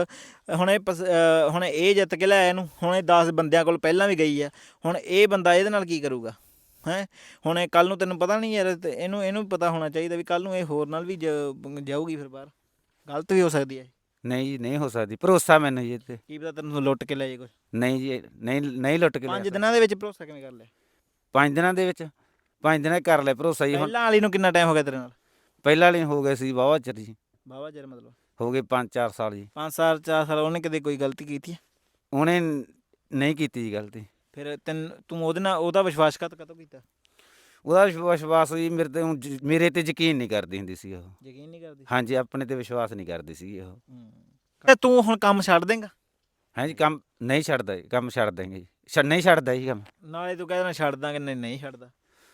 Speaker 1: ਹੁਣ ਇਹ ਜਿੱਤ ਕੇ ਲਿਆਇਆ ਇਹਨੂੰ, ਹੁਣ ਇਹ 10 ਬੰਦਿਆਂ ਕੋਲ ਪਹਿਲਾਂ ਵੀ ਗਈ ਆ। ਹੁਣ ਇਹ ਬੰਦਾ ਇਹਦੇ ਨਾਲ ਕੀ ਕਰੂਗਾ ਹੈਂ? ਹੁਣ ਇਹ ਕੱਲ੍ਹ ਨੂੰ ਤੈਨੂੰ ਪਤਾ ਨਹੀਂ ਯਾਰ, ਤੇ ਇਹਨੂੰ ਪਤਾ ਹੋਣਾ ਚਾਹੀਦਾ ਵੀ ਕੱਲ੍ਹ ਨੂੰ ਇਹ ਹੋਰ ਨਾਲ ਵੀ ਜਾਊਗੀ ਫਿਰ ਬਾਹਰ। ਗਲਤ ਵੀ ਹੋ ਸਕਦੀ ਹੈ।
Speaker 2: ਨਹੀਂ ਜੀ ਨਹੀਂ ਹੋ ਸਕਦੀ। ਭਰੋਸਾ ਮੈਨੂੰ ਜੀ ਇੱਥੇ।
Speaker 1: ਕੀ ਪਤਾ ਤੈਨੂੰ ਲੁੱਟ ਕੇ ਲੈ ਜੇ ਕੁਛ।
Speaker 2: ਨਹੀਂ ਜੀ ਨਹੀਂ ਲੁੱਟ ਕੇ
Speaker 1: 5 ਦਿਨਾਂ ਦੇ ਵਿੱਚ ਭਰੋਸਾ ਕਿਵੇਂ ਕਰ ਲਿਆ?
Speaker 2: 5 ਦਿਨਾਂ ਦੇ ਵਿੱਚ 5 ਦਿਨਾਂ 'ਚ ਕਰ ਲਿਆ ਭਰੋਸਾ ਜੀ। ਹੁਣ
Speaker 1: ਪਹਿਲਾਂ ਵਾਲੀ ਨੂੰ ਕਿੰਨਾ ਟਾਈਮ ਹੋ ਗਿਆ ਤੇਰੇ ਨਾਲ?
Speaker 2: ਪਹਿਲਾਂ ਵਾਲੇ ਹੋ ਗਏ ਸੀ ਵਾਹਵਾ ਚਿਰ ਜੀ।
Speaker 1: ਵਾਹਵਾ ਚਿਰ ਮਤਲਬ
Speaker 2: ਹੋ ਗਏ 5-4 ਸਾਲ ਜੀ।
Speaker 1: 5 ਸਾਲ 4 ਸਾਲ। ਉਹਨੇ ਕਦੇ ਕੋਈ ਗਲਤੀ ਕੀਤੀ ਹੈ?
Speaker 2: ਉਹਨੇ ਨਹੀਂ ਕੀਤੀ ਜੀ ਗਲਤੀ।
Speaker 1: ਫਿਰ ਤੂੰ ਉਹਦੇ ਨਾਲ ਉਹਦਾ ਵਿਸ਼ਵਾਸਘਾਤ ਕਦੋਂ ਕੀਤਾ?
Speaker 2: ਉਹਦਾ ਵਿਸ਼ਵਾਸ ਜੀ ਮੇਰੇ ਤੇ ਯਕੀਨ ਨਹੀਂ ਕਰਦੀ ਹੁੰਦੀ ਸੀ ਉਹ।
Speaker 1: ਯਕੀਨ ਨਹੀਂ ਕਰਦੀ?
Speaker 2: ਹਾਂਜੀ, ਆਪਣੇ ਤੇ ਵਿਸ਼ਵਾਸ ਨਹੀਂ ਕਰਦੀ ਸੀ ਉਹ।
Speaker 1: ਤੇ ਤੂੰ ਹੁਣ ਕੰਮ ਛੱਡ ਦੇਂਗਾ?
Speaker 2: ਹਾਂਜੀ, ਕੰਮ ਨਹੀਂ ਛੱਡਦਾ ਜੀ, ਕੰਮ ਛੱਡ ਦੇਂਗੇ ਜੀ, ਨਹੀਂ ਛੱਡਦਾ ਜੀ ਕੰਮ।
Speaker 1: ਨਾਲੇ ਤੂੰ ਕਹਿੰਦਾ ਛੱਡ ਦਾਂਗੇ, ਨਹੀਂ ਛੱਡਦਾ।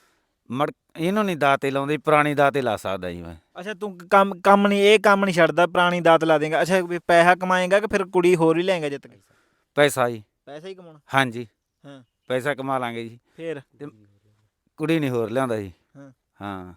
Speaker 2: ਇਹਨੂੰ ਨਹੀਂ ਦਾਤੇ ਲਾਉਂਦੇ, ਪੁਰਾਣੀ ਦਾਤੇ ਲਾ ਸਕਦਾ ਜੀ ਮੈਂ।
Speaker 1: ਅੱਛਾ, ਤੂੰ ਕੰਮ ਨਹੀਂ, ਇਹ ਕੰਮ ਨਹੀਂ ਛੱਡਦਾ, ਪੁਰਾਣੀ ਦਾਤ ਲਾ ਦੇਂਗਾ। ਅੱਛਾ, ਵੀ ਪੈਸਾ ਕਮਾਏਗਾ ਕਿ ਫਿਰ ਕੁੜੀ ਹੋਰ ਹੀ ਲੈਂਗਾ ਜਿੱਤ ਕੇ?
Speaker 2: ਪੈਸਾ ਜੀ।
Speaker 1: ਪੈਸਾ ਹੀ ਕਮਾਉਣਾ?
Speaker 2: ਹਾਂਜੀ,
Speaker 1: ਹਾਂ।
Speaker 2: ਪੈਸਾ ਕਮਾ ਲਾਂਗੇ ਜੀ,
Speaker 1: ਫਿਰ
Speaker 2: ਤੇ ਕੁੜੀ ਨਹੀਂ ਹੋਰ ਲਿਆਉਂਦਾ ਜੀ।
Speaker 1: ਹਾਂ।
Speaker 2: ਹਾਂ,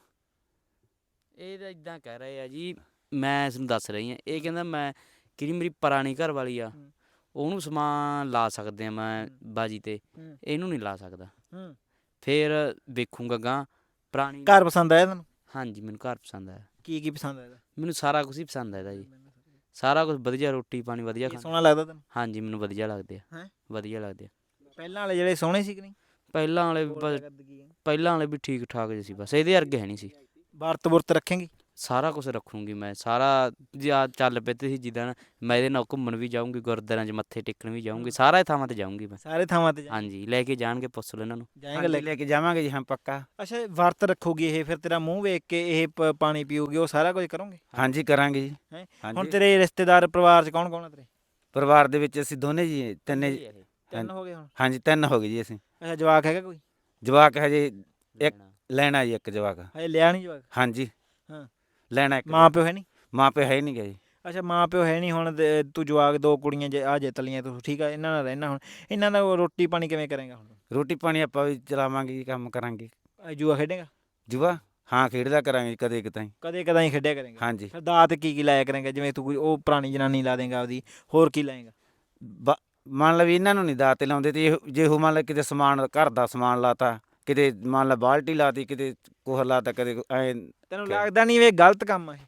Speaker 3: ਇਹ ਤਾਂ ਇਦਾਂ ਕਹਿ ਰਹੇ ਆ ਜੀ, ਮੈਂ ਤੁਹਾਨੂੰ ਦੱਸ ਰਹੀ ਹਾਂ। ਇਹ ਕਹਿੰਦਾ ਮੈਂ ਕਿਹੜੀ ਮੇਰੀ ਪੁਰਾਣੀ ਘਰ ਵਾਲੀ ਆ, ਉਹਨੂੰ ਸਮਾਨ ਲਾ ਸਕਦੇ ਆ ਮੈਂ ਬਾਜੀ ਤੇ, ਇਹਨੂੰ ਨਹੀਂ ਲਾ ਸਕਦਾ। ਫਿਰ ਵੇਖੂੰਗਾ ਗਾਂ ਪੁਰਾਣੀ।
Speaker 1: ਘਰ ਪਸੰਦ ਆਇਆ ਤੈਨੂੰ?
Speaker 3: ਹਾਂਜੀ, ਮੈਨੂੰ ਘਰ ਪਸੰਦ ਆਇਆ।
Speaker 1: ਕੀ ਪਸੰਦ ਆਇਆ?
Speaker 3: ਮੈਨੂੰ ਸਾਰਾ ਕੁਝ ਹੀ ਪਸੰਦ ਆਇਆ ਜੀ, ਸਾਰਾ ਕੁਝ ਵਧੀਆ, ਰੋਟੀ ਪਾਣੀ ਵਧੀਆ ਖਾਣਾ।
Speaker 1: ਸੋਹਣਾ ਲੱਗਦਾ ਤੈਨੂੰ?
Speaker 3: ਹਾਂਜੀ, ਮੈਨੂੰ ਵਧੀਆ ਲੱਗਦੇ ਆ।
Speaker 1: ਹੈਂ?
Speaker 3: ਵਧੀਆ ਲੱਗਦੇ ਆ।
Speaker 1: ਪਹਿਲਾਂ ਵਾਲੇ ਜਿਹੜੇ ਸੋਹਣੇ ਸੀ ਕਿ ਨਹੀਂ?
Speaker 3: ਪਹਿਲਾਂ ਵਾਲੇ ਵੀ ਠੀਕ ਠਾਕ ਜਿਹੇ ਸੀ, ਬਸ ਇਹਦੇ ਵਰਗੇ ਹੈ ਨਹੀਂ ਸੀ।
Speaker 1: ਵਰਤ ਰੱਖੇਂਗੀ?
Speaker 3: ਸਾਰਾ ਕੁਝ ਰੱਖੂੰਗੀ ਮੈਂ, ਸਾਰਾ ਜਾਂ ਚੱਲ ਪਏ ਸੀ ਜਿੱਦਾਂ ਮੈਂ ਇਹਦੇ ਨਾਲ ਘੁੰਮਣ ਵੀ ਜਾਊਂਗੀ, ਗੁਰਦੁਆਰਿਆਂ 'ਚ ਮੱਥੇ ਟੇਕਣ ਵੀ ਜਾਊਂਗੀ, ਸਾਰੇ ਥਾਵਾਂ ਤੇ ਜਾਊਂਗੀ ਮੈਂ।
Speaker 1: ਸਾਰੇ ਥਾਵਾਂ ਤੇ
Speaker 3: ਹਾਂਜੀ, ਲੈ ਕੇ ਜਾਣਗੇ, ਪੁੱਛ ਲਓ ਇਹਨਾਂ ਨੂੰ।
Speaker 1: ਜਾਏਗਾ?
Speaker 2: ਲੈ ਕੇ ਜਾਵਾਂਗੇ ਜੀ, ਹਾਂ ਪੱਕਾ।
Speaker 1: ਅੱਛਾ, ਵਰਤ ਰੱਖੂਗੀ ਇਹ, ਫਿਰ ਤੇਰਾ ਮੂੰਹ ਵੇਖ ਕੇ ਇਹ ਪਾਣੀ ਪੀਊਗੀ, ਉਹ ਸਾਰਾ ਕੁਝ ਕਰੋਗੇ?
Speaker 2: ਹਾਂਜੀ, ਕਰਾਂਗੇ ਜੀ।
Speaker 1: ਹੈਂ? ਹੁਣ
Speaker 2: ਹਾਂਜੀ,
Speaker 1: ਤੇਰੇ ਰਿਸ਼ਤੇਦਾਰ ਪਰਿਵਾਰ 'ਚ ਕੌਣ ਕੌਣ ਆ ਤੇਰੇ?
Speaker 2: ਪਰਿਵਾਰ ਦੇ ਵਿੱਚ ਅਸੀਂ ਦੋਨੇ ਜੀ, ਤਿੰਨੇ।
Speaker 1: ਤਿੰਨ ਹੋ ਗਏ ਹੁਣ?
Speaker 2: ਹਾਂਜੀ, 3 ਹੋ ਗਏ ਜੀ ਅਸੀਂ।
Speaker 1: ਅੱਛਾ, ਜਵਾਕ ਹੈਗਾ ਕੋਈ?
Speaker 2: ਜਵਾਕ ਹਜੇ ਇੱਕ ਲੈਣਾ ਜੀ, ਇੱਕ ਜਵਾਕ।
Speaker 1: ਹਜੇ ਲਿਆ ਨਹੀਂ ਜਵਾਕ?
Speaker 2: ਹਾਂਜੀ।
Speaker 1: ਹਾਂ।
Speaker 2: ਲੈਣਾ ਇੱਕ।
Speaker 1: ਮਾਂ ਪਿਓ ਹੈ ਨਹੀਂ?
Speaker 2: ਮਾਂ ਪਿਓ ਹੈ ਨਹੀਂ ਗਾ ਜੀ।
Speaker 1: ਅੱਛਾ, ਮਾਂ ਪਿਓ ਹੈ ਨਹੀਂ। ਹੁਣ ਤੂੰ ਜਵਾਕ, 2 ਕੁੜੀਆਂ ਆ ਜਿੱਤ ਲਈਆਂ ਤੂੰ, ਠੀਕ ਆ, ਇਹਨਾਂ ਨਾਲ ਰਹਿਣਾ। ਹੁਣ ਇਹਨਾਂ ਦਾ ਰੋਟੀ ਪਾਣੀ ਕਿਵੇਂ ਕਰੇਗਾ? ਹੁਣ
Speaker 2: ਰੋਟੀ ਪਾਣੀ ਆਪਾਂ ਵੀ ਚਲਾਵਾਂਗੇ ਜੀ, ਕੰਮ ਕਰਾਂਗੇ।
Speaker 1: ਜੂਆ ਖੇਡੇਗਾ?
Speaker 2: ਜੂਆ ਹਾਂ, ਖੇਡਦਾ ਕਰਾਂਗੇ ਕਦੇ ਕਿਤੇ।
Speaker 1: ਕਦੇ ਕਦਾਈ ਖੇਡਿਆ ਕਰੇਗਾ?
Speaker 2: ਹਾਂਜੀ।
Speaker 1: ਫਿਰ ਦਾਤ ਕੀ ਲਾਇਆ ਕਰੇਗਾ? ਜਿਵੇਂ ਤੂੰ ਕੋਈ ਉਹ ਪੁਰਾਣੀ ਜਨਾਨੀ ਲਾ ਦੇਂਗਾ ਆਪਦੀ, ਹੋਰ ਕੀ ਲਾਏਗਾ?
Speaker 2: ਮੰਨ ਲਾ ਵੀ ਇਹਨਾਂ ਨੂੰ ਨਹੀਂ ਦਾਤੇ ਲਾਉਂਦੇ, ਤੇ ਜੇ ਉਹ ਮੰਨ ਲਾ ਕਿਤੇ ਸਮਾਨ, ਘਰ ਦਾ ਸਮਾਨ ਲਾਤਾ, ਕਿਤੇ ਮੰਨ ਲਾ ਬਾਲਟੀ ਲਾਤੀ, ਕਿਤੇ ਕੁਛ ਲਾਤਾ, ਕਦੇ ਐ।
Speaker 1: ਤੈਨੂੰ ਲੱਗਦਾ ਨਹੀਂ ਇਹ ਗਲਤ ਕੰਮ ਆ?